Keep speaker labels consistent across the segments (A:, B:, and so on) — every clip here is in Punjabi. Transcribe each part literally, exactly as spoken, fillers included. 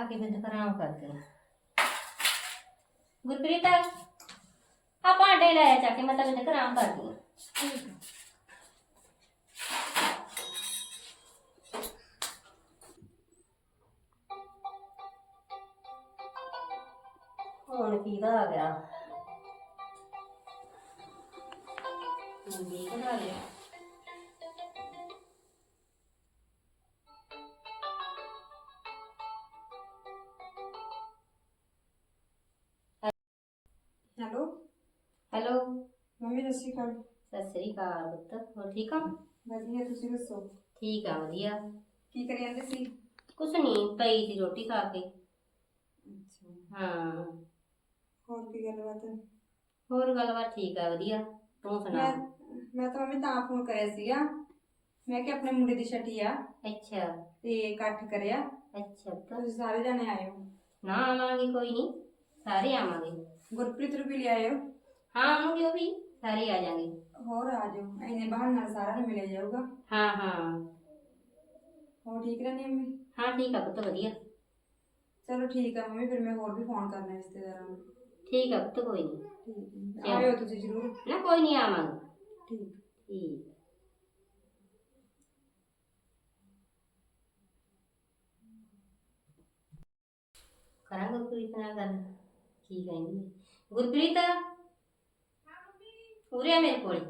A: ਕੇ ਬਿੰਦ ਕਰਾਂ ਕਰਦੇ ਗੁਰਪ੍ਰੀਤ ਆ ਭਾਂਡੇ ਲੈ ਆ ਚੱਕ ਕੇ ਮੈਂ ਤਾਂ ਬਿੰਦ ਕਰਾਂ ਕਰਦੀ ਹਾਂ। ਹੁਣ ਕਿਹਦਾ ਆ ਗਿਆ ਮੰਦੀ ਬਣਾ ਲਿਆ
B: ਹੈਲੋ
A: ਹੈਲੋ
B: ਮੰਮੀ ਸਤਿ ਸ਼੍ਰੀ ਅਕਾਲ।
A: ਸਤਿ ਸ੍ਰੀ ਅਕਾਲ ਪੁੱਤ ਹੋਰ ਠੀਕ ਆ?
B: ਵਧੀਆ ਤੁਸੀਂ ਦੱਸੋ
A: ਠੀਕ ਆ ਵਧੀਆ।
B: ਕੀ ਕਰੀ ਜਾਂਦੇ ਸੀ?
A: ਕੁਛ ਨਹੀਂ ਪਈ ਸੀ ਰੋਟੀ ਖਾ ਕੇ।
B: ਅੱਛਾ
A: ਹਾਂ
B: ਹੋਰ ਕੀ ਗੱਲਬਾਤ?
A: ਹੋਰ ਗੱਲਬਾਤ ਠੀਕ ਆ ਵਧੀਆ ਤੂੰ ਸੁਣਾ?
B: ਮੈਂ ਮੈਂ ਤਾਂ ਮੰਮੀ ਤਾਂ ਫੋਨ ਕਰਿਆ ਸੀਗਾ, ਮੈਂ ਕਿ ਆਪਣੇ ਮੁੰਡੇ ਦੀ ਛਟੀ ਆ
A: ਅੱਛਾ
B: ਤੇ ਇਕੱਠ ਕਰਿਆ,
A: ਅੱਛਾ ਪੁੱਤ
B: ਤੁਸੀਂ ਸਾਰੇ ਜਾਣੇ ਆਇਓ।
A: ਨਾ ਆਵਾਂਗੇ ਕੋਈ ਨਹੀਂ ਸਾਰੇ ਆਵਾਂਗੇ।
B: ਗੁਰਪ੍ਰੀਤ ਨੂੰ ਵੀ ਲੈ ਆਇਓ।
A: ਹਾਂ ਆਵਾਂਗੇ ਉਹ ਵੀ ਸਾਰੇ ਆ ਜਾਣਗੇ।
B: ਹੋਰ ਆ ਜਾਓ, ਇੰਨੇ ਬਹਾਨੇ ਨਾਲ ਸਾਰਿਆਂ ਨੂੰ ਮਿਲਿਆ ਜਾਊਗਾ।
A: ਹਾਂ ਹਾਂ
B: ਹੋਰ ਠੀਕ ਰਹਿੰਦੀ ਮੰਮੀ?
A: ਹਾਂ ਠੀਕ ਆ ਪੁੱਤ ਵਧੀਆ।
B: ਚਲੋ ਠੀਕ ਆ ਮੰਮੀ, ਫਿਰ ਮੈਂ ਹੋਰ ਵੀ ਫੋਨ ਕਰਨਾ ਰਿਸ਼ਤੇਦਾਰਾਂ ਨੂੰ।
A: ਠੀਕ ਆ ਪੁੱਤ ਕੋਈ ਨਹੀਂ।
B: ਠੀਕ ਹੈ ਆਇਓ ਤੁਸੀਂ ਜ਼ਰੂਰ।
A: ਨਾ ਕੋਈ ਨਹੀਂ ਆਵਾਂਗੇ।
B: ਠੀਕ
A: ਠੀਕ ਕਰਾਂ ਗੁਰਪ੍ਰੀਤ ਨਾਲ ਗੱਲ ਕੀ ਕਹਿੰਦੀ ਹੈ? ਗੁਰਪ੍ਰੀਤ ਉਰੇ ਆ ਮੇਰੇ ਕੋਲ।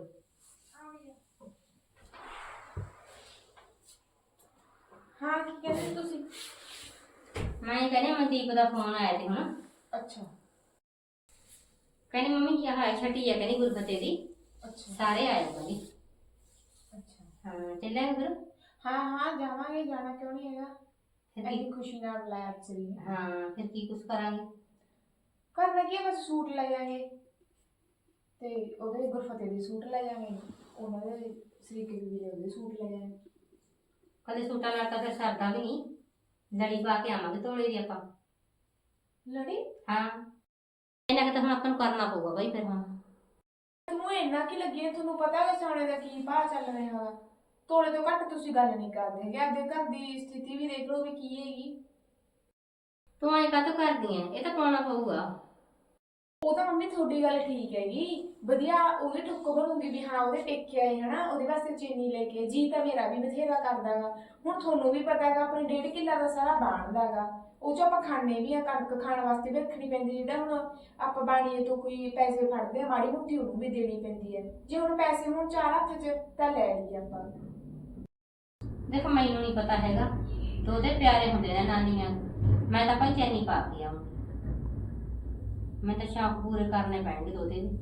B: ਹਾਂ ਕੀ ਕਹਿੰਦੇ ਤੁਸੀਂ?
A: ਮੈਂ ਕਹਿੰਦੀ ਮਨਦੀਪ ਦਾ ਫੋਨ ਆਇਆ ਸੀ ਹੁਣ।
B: ਅੱਛਾ
A: ਕਹਿੰਦੀ ਮੰਮੀ ਕੀ ਹਾਲ ਛੱਟੀ ਆ ਕਹਿੰਦੀ ਗੁਰਫਤੇ ਦੀ
B: ਅੱਛਾ
A: ਸਾਰੇ ਆਏ ਕਹਿੰਦੀ।
B: ਅੱਛਾ
A: ਹਾਂ ਚੱਲਾਂਗੇ ਫਿਰ।
B: ਹਾਂ ਹਾਂ ਜਾਵਾਂਗੇ, ਜਾਣਾ ਕਿਉਂ ਨਹੀਂ ਹੈਗਾ।
A: ਫਿਰ
B: ਐਨੀ
A: ਕੀ
B: ਖੁਸ਼ੀ ਨਾਲ ਬੁਲਾਇਆ ਚਲੀ।
A: ਹਾਂ ਫਿਰ ਕੀ ਕੁਛ ਕਰਾਂਗੇ?
B: ਕਰਨਾ ਕੀ ਹੈ, ਬਸ ਸੂਟ ਲੈ ਜਾਵਾਂਗੇ ਤੇ ਉਹਦੇ ਗੁਰਫਤੇ ਦੇ ਸੂਟ ਲੈ ਜਾਵਾਂਗੇ, ਉਹਨਾਂ ਦੇ ਸਰੀਕੇ ਦੇ ਵੀਰੇ ਉਹਦੇ ਸੂਟ ਲੈ ਜਾਵਾਂਗੇ।
A: ਕਦੇ ਸੂਟਾਂ ਨਾਲ ਤਾਂ ਫਿਰ ਸਰਦਾ ਵੀ ਨਹੀਂ, ਲੜੀ ਪਾ ਕੇ ਆਵਾਂਗੇ ਧੋਲੇ ਦੀ ਆਪਾਂ।
B: ਲੜੀ?
A: ਹਾਂ ਇਹਨਾਂ ਕਿ ਤਾਂ ਹੁਣ ਆਪਾਂ ਨੂੰ ਕਰਨਾ ਪਊਗਾ ਬਾਈ ਫਿਰ। ਹਾਂ
B: ਤੁਹਾਨੂੰ ਇੰਨਾ ਕੀ ਲੱਗੀ, ਤੁਹਾਨੂੰ ਪਤਾ ਹੈ ਸੋਨੇ ਦਾ ਕੀ ਭਾਅ ਚੱਲ ਰਿਹਾ ਹੈਗਾ। ਤੋਲੇ ਤੋਂ ਘੱਟ ਤੁਸੀਂ ਗੱਲ ਨਹੀਂ ਕਰਦੇ ਹੈਗੇ। ਆਪਦੇ ਘਰ ਦੀ ਸਥਿਤੀ ਵੀ ਦੇਖ ਲਓ ਵੀ ਕੀ ਹੈਗੀ।
A: ਤੂੰ ਐਂ ਕਾਹਤੋਂ ਕਰਦੀ ਐ? ਇਹ ਤਾਂ ਪਾਉਣਾ ਪਊਗਾ।
B: ਉਹ ਤਾਂ ਮੰਮੀ ਤੁਹਾਡੀ ਗੱਲ ਠੀਕ ਹੈਗੀ, ਵਧੀਆ ਉਹਦੇ ਠੁੱਕ ਬਣੂਗੀ ਵੀ ਹਾਂ ਉਹਦੇ ਟੇਕੇ ਆਏ ਹਨਾ, ਉਹਦੇ ਵਾਸਤੇ ਚੀਨੀ ਲੈ ਕੇ। ਜੀ ਤਾਂ ਮੇਰਾ ਵੀ ਬਥੇਰਾ ਕਰਦਾਗਾ। ਹੁਣ ਤੁਹਾਨੂੰ ਵੀ ਪਤਾ ਹੈਗਾ ਆਪਣੇ ਡੇਢ ਕਿੱਲਾ ਦਾ ਸਾਰਾ ਬਾਣਦਾਗਾ, ਉਹ ਚ ਆਪਾਂ ਖਾਣੇ ਵੀ ਆ, ਕਣਕ ਖਾਣ ਵਾਸਤੇ ਵੀ ਰੱਖਣੀ ਪੈਂਦੀ। ਜਿਹੜਾ ਹੁਣ ਆਪਾਂ ਬਾਣੀਏ ਤੋਂ ਕੋਈ ਪੈਸੇ ਫੜਦੇ ਆ, ਮਾੜੀ ਮੋਟੀ ਉਹਨੂੰ ਵੀ ਦੇਣੀ ਪੈਂਦੀ ਹੈ। ਜੇ ਹੁਣ ਪੈਸੇ ਹੁਣ ਚਾਰ ਹੱਥ ਚ ਤਾਂ ਲੈ ਲਈਏ ਆਪਾਂ।
A: ਦੇਖ ਮੈਨੂੰ ਨਹੀਂ ਪਤਾ ਹੈਗਾ, ਦੋਦੇ ਪਿਆਰੇ ਹੁੰਦੇ ਨੇ ਨਾਨੀਆਂ। ਮੈਂ ਤਾਂ ਭਾਈ ਚੈਨੀ ਪਾ ਕੇ ਆਵਾਂ, ਮੈਂ ਤਾਂ ਸ਼ੌਕ ਪੂਰੇ ਕਰਨੇ ਪੈਣਗੇ ਦੋਦੇ ਵੀ।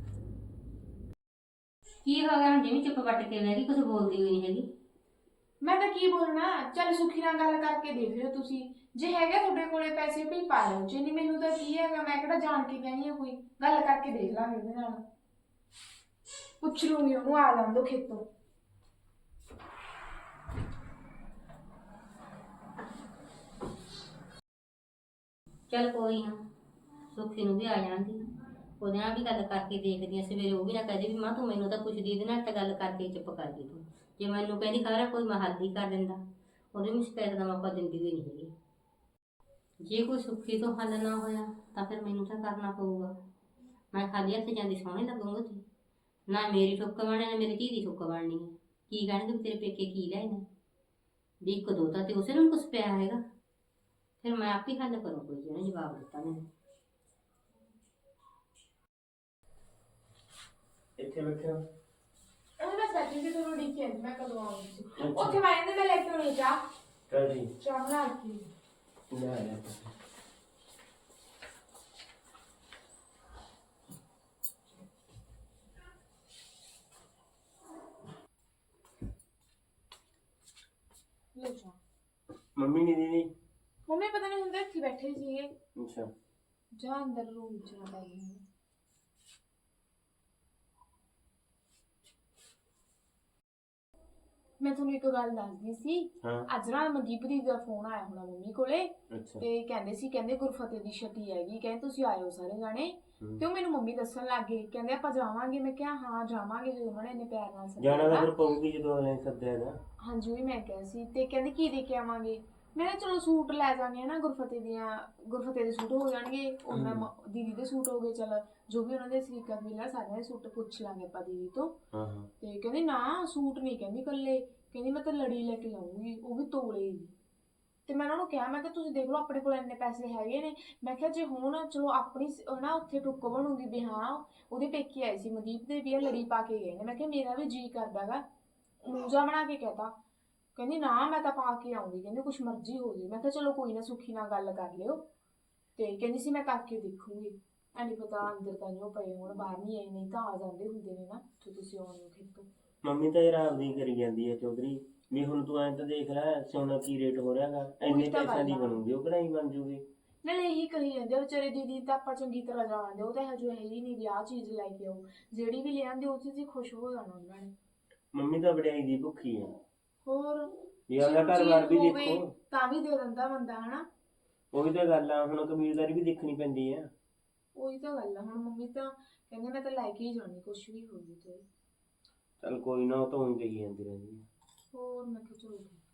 A: ਕੀ ਹੋ ਗਿਆ ਹੁਣ ਜਿਵੇਂ ਚੁੱਪ ਵੱਟ ਕੇ ਬਹਿ ਗਈ, ਕੁਛ ਬੋਲਦੀ ਹੋਈ ਨਹੀਂ ਹੈਗੀ।
B: ਮੈਂ ਤਾਂ ਕੀ ਬੋਲਣਾ, ਚੱਲ ਸੁਖੀ ਨਾਲ ਗੱਲ ਕਰਕੇ ਦੇਖ ਲਿਓ ਤੁਸੀਂ, ਜੇ ਹੈਗਾ ਤੁਹਾਡੇ ਕੋਲੇ ਪੈਸੇ ਵੀ ਪਾ ਲਓ। ਜੇ ਨਹੀਂ ਮੈਨੂੰ ਤਾਂ ਕੀ ਹੈਗਾ, ਮੈਂ ਕਿਹੜਾ ਜਾਣ ਕੇ ਕਹਿੰਦੀ ਆ, ਕੋਈ ਗੱਲ ਕਰਕੇ ਦੇਖ ਲਾਂਗੇ ਉਹਦੇ ਨਾਲ। ਪੁੱਛ ਲੂੰਗੀ ਉਹਨੂੰ, ਆ ਜਾਣ ਦੋ ਖੇਤੋਂ।
A: ਚੱਲ ਕੋਈ ਨਾ, ਸੁੱਖੀ ਨੂੰ ਵੀ ਆ ਜਾਂਦੀ, ਉਹਦੇ ਨਾਲ ਵੀ ਗੱਲ ਕਰਕੇ ਦੇਖਦੀ ਆ। ਸਵੇਰੇ ਉਹ ਵੀ ਨਾ ਕਹਦੇ ਵੀ ਮਾਂ ਤੂੰ ਮੈਨੂੰ ਤਾਂ ਪੁੱਛਦੀ, ਇਹਦੇ ਨਾਲ ਤਾਂ ਗੱਲ ਕਰਕੇ ਚੁੱਪ ਕਰ ਗਈ ਤੂੰ। ਜੇ ਮੈਨੂੰ ਕਹਿੰਦੀ ਖਰਾ ਕੋਈ ਮੈਂ ਹੱਲ ਹੀ ਕਰ ਦਿੰਦਾ, ਉਹਦੇ ਨੂੰ ਸ਼ਿਕਾਇਤ ਦਾ ਮੌਕਾ ਦਿੰਦੀ ਹੋਈ ਨਹੀਂ ਹੈਗੀ। ਜੇ ਕੋਈ ਸੁੱਖੀ ਤੋਂ ਹੱਲ ਨਾ ਹੋਇਆ ਤਾਂ ਫਿਰ ਮੈਨੂੰ ਤਾਂ ਕਰਨਾ ਪਊਗਾ। ਮੈਂ ਖਾਲੀ ਹੱਥ ਜਾਂਦੀ ਸੋਹਣੇ ਲੱਗੂੰਗੀ ਜੀ, ਨਾ ਮੇਰੀ ਠੁੱਕ ਬਣਨੀ ਨਾ ਮੇਰੀ ਧੀ ਦੀ ਠੁੱਕ ਬਣਨੀ ਹੈ। ਕੀ ਕਹਿਣਗੇ ਤੇਰੇ ਪੇਕੇ ਕੀ ਲੈਣਾ ਵੀ ਇੱਕ ਦੋ ਤਾਂ ਤੇ ਉਸੇ ਨੂੰ ਕੁਛ ਪਿਆ ਹੈਗਾ। ਫਿਰ ਮੈਂ ਆਪ ਹੀ ਹੱਲ ਕਰੂੰ ਕੋਈ, ਜਿਹਨੇ ਜਵਾਬ ਦਿੱਤਾ ਮੈਨੂੰ।
C: ਇੱਥੇ ਬੈਠੇ ਹੋ?
B: ਉਹ ਬਸ ਬੈਠੀ ਸੀ, ਤੁਹਾਨੂੰ ਉਡੀਕ ਕੇ ਮੈਂ ਕਦੋਂ ਆਉਂਗੀ। ਉੱਥੇ ਮੈਂ ਇਹਦੇ ਮੈਂ ਲੈ ਕੇ ਆਉਣੀ ਚਾਹ।
C: ਕਦੀ
B: ਚਾਹ ਬਣਾ ਕੇ
C: ਨਾ ਲੈ
B: ਲੋ ਚਾਹ।
C: ਮੰਮੀ ਨਹੀਂ ਦੀਦੀ?
B: ਮੰਮੀ ਪਤਾ ਨਹੀਂ ਹੁੰਦੇ ਇੱਥੇ ਬੈਠੇ ਸੀਗੇ।
C: ਅੱਛਾ
B: ਜਾ ਅੰਦਰ ਰੂਮ ਚ ਨਾ ਪੈ ਗਈ। ਮੈਂ ਤੁਹਾਨੂੰ ਇੱਕ ਗੱਲ ਦੱਸਦੀ ਸੀ।
C: ਹਾਂ
B: ਅੱਜ ਨਾ ਮਨਦੀਪ ਦੀ ਦਾ ਫੋਨ ਆਇਆ ਹੋਣਾ ਮੰਮੀ ਕੋਲੇ,
C: ਅੱਛਾ
B: ਤੇ ਕਹਿੰਦੇ ਸੀ ਕਹਿੰਦੇ ਗੁਰਫਤੇ ਦੀ ਛਟੀ ਹੈਗੀ, ਕਹਿੰਦੇ ਤੁਸੀਂ ਆਇਓ ਸਾਰੇ ਜਾਣੇ। ਤੇ ਉਹ ਮੈਨੂੰ ਮੰਮੀ ਦੱਸਣ ਲੱਗ ਗਏ, ਕਹਿੰਦੇ ਆਪਾਂ ਜਾਵਾਂਗੇ। ਮੈਂ ਕਿਹਾ ਹਾਂ ਜਾਵਾਂਗੇ, ਜਦੋਂ ਉਹਨਾਂ ਨੇ ਇੰਨੇ ਪਿਆਰ ਨਾਲ ਸੱਦਿਆ।
C: ਜਾਣਾ ਤਾਂ ਫਿਰ ਪਊਗੀ ਜਦੋਂ ਅਗਲੇ ਨੇ ਸੱਦਿਆ ਨਾ।
B: ਹਾਂਜੀ ਉਹੀ ਮੈਂ ਕਿਹਾ ਸੀ। ਤੇ ਕਹਿੰਦੇ ਕੀ ਦੇ ਕੇ ਆਵਾਂਗੇ? ਮੈਂ ਕਿਹਾ ਚਲੋ ਸੂਟ ਲੈ ਜਾਣੇ ਨਾ ਗੁਰਫਤਿਹ ਦੀਆਂ, ਗੁਰਫਤਿਹ ਦੇ ਸੂਟ ਹੋ ਜਾਣਗੇ, ਉਹਨਾਂ ਮ- ਦੀਦੀ ਦੇ ਸੂਟ ਹੋ ਗਏ, ਚਲ ਜੋ ਵੀ ਉਹਨਾਂ ਦੇ ਸਰੀਕਾ ਮਿਲਿਆ ਸਾਰਿਆਂ ਦੇ ਸੂਟ ਪੁੱਛ ਲਾਂਗੇ ਆਪਾਂ ਦੀਦੀ ਤੋਂ।
C: ਹਾਂ ਹਾਂ
B: ਤੇ ਕਹਿੰਦੀ ਨਾ ਸੂਟ ਨਹੀਂ, ਕਹਿੰਦੀ ਕੱਲੇ, ਕਹਿੰਦੀ ਮੈਂ ਤਾਂ ਲੜੀ ਲੈ ਕੇ ਆਉਂਗੀ, ਉਹ ਵੀ ਤੋਲੇ ਦੀ। ਤੇ ਮੈਂ ਉਹਨਾਂ ਨੂੰ ਕਿਹਾ, ਮੈਂ ਕਿਹਾ ਤੁਸੀਂ ਦੇਖ ਲਓ ਆਪਣੇ ਕੋਲ ਇੰਨੇ ਪੈਸੇ ਹੈਗੇ ਨੇ, ਮੈਂ ਕਿਹਾ ਜੇ ਹੁਣ ਚਲੋ ਆਪਣੀ ਸ- ਨਾ ਉੱਥੇ ਟੁੱਕ ਬਣੂਗੀ ਵੀ ਹਾਂ ਉਹਦੇ ਪੇਕੇ ਆਏ ਸੀ ਮਨਦੀਪ ਦੇ ਵੀ ਆ ਲੜੀ ਪਾ ਕੇ ਗਏ ਨੇ, ਮੈਂ ਕਿਹਾ ਮੇਰਾ ਵੀ ਜੀ ਕਰਦਾਗਾ, ਮੂੰਜਾ ਬਣਾ ਕੇ ਕਹਿਤਾ। ਕਹਿੰਦੀ ਨਾ ਮੈਂ ਤਾਂ ਪਾ ਕੇ ਆਉਂਗੀ, ਕਹਿੰਦੀ ਕੁਛ ਮਰਜ਼ੀ ਹੋ ਜਾਏ। ਮੈਂ ਕਿਹਾ ਚਲੋ ਕੋਈ ਨਾ ਸੁੱਖੀ ਨਾਲ ਗੱਲ ਕਰ ਲਿਓ, ਤੇ ਕਹਿੰਦੀ ਸੀ ਮੈਂ ਕਰਕੇ ਦੇਖੂੰਗੀ। ਐਨੀ ਪਤਾ ਅੰਦਰ ਤਾਂ ਨਹੀਂ ਉਹ ਪਏ ਹੁਣ, ਬਾਹਰ ਨਹੀਂ ਆਏ, ਨਹੀਂ ਤਾਂ ਆ ਜਾਂਦੇ ਹੁੰਦੇ ਨੇ ਨਾ ਜੇ ਤੁਸੀਂ ਆਉਣੇ ਹੋ ਖੇਤੋਂ।
C: ਮੰਮੀ ਤਾਂ ਯਾਰ ਆਪਦੀ ਕਰੀ ਜਾਂਦੀ ਹੈ ਚੌਧਰੀ ਵੀ ਹੁਣ ਤੂੰ ਐਂ ਤਾਂ ਦੇਖ ਲੈ ਸੋਨਾ ਕੀ ਰੇਟ ਹੋ ਰਿਹਾਗਾ, ਇੰਨੇ
B: ਤਾਂ
C: ਪੈਸਿਆਂ ਦੀ
B: ਗੱਲ ਆ।
C: ਬਣੂਗੀ ਉਹ ਕਢਾਈ ਬਣ ਜੂਗੀ।
B: ਨਾਲੇ ਇਹੀ ਕਹੀ ਜਾਂਦੇ ਆ ਵਿਚਾਰੇ ਦੀਦੀ ਤਾਂ ਆਪਾਂ ਚੰਗੀ ਤਰ੍ਹਾਂ ਜਾਣਦੇ, ਉਹ ਤਾਂ ਇਹੋ ਜਿਹਾ ਹੈ ਹੀ ਨਹੀਂ ਵੀ ਆਹ ਚੀਜ਼ ਲੈ ਕੇ ਆਓ, ਜਿਹੜੀ ਵੀ ਲਿਆਂਦੀ ਉਹ ਚੀਜ਼ ਹੀ ਖੁਸ਼ ਹੋ ਜਾਣਾ ਉਹਨਾਂ ਨੇ।
C: ਮੰਮੀ ਤਾਂ ਵਡਿਆਈ ਦੀ ਭੁੱਖੀ ਆ,
B: ਹੋਰ
C: ਵੀ ਆਪਦਾ
B: ਚੀਜ਼
C: ਘਰ-ਬਾਰ ਵੀ
B: ਹੋਵੇ
C: ਦੇਖੋ।
B: ਤਾਂ ਵੀ ਦੇ ਦਿੰਦਾ ਬੰਦਾ ਹਨਾ।
C: ਉਹੀ ਤਾਂ ਗੱਲ ਆ, ਹੁਣ ਕਬੀਲਦਾਰੀ ਵੀ ਦੇਖਣੀ ਪੈਂਦੀ ਆ।
B: ਉਹੀ ਤਾਂ ਗੱਲ ਆ, ਹੁਣ ਮੰਮੀ ਤਾਂ ਕਹਿੰਦੇ ਮੈਂ ਤਾਂ ਲੈ ਕੇ ਹੀ ਜਾਣੀ ਕੁਛ ਵੀ ਹੋਵੇ ਤੇ।
C: ਚੱਲ ਕੋਈ ਨਾ, ਉਹ ਤਾਂ ਹੁਣ ਕਹੀ ਜਾਂਦੀ ਰਹਿੰਦੀ ਆ।
B: ਹੋਰ ਮੈਂ ਕਿਹਾ ਚਲੋ ਠੀਕ।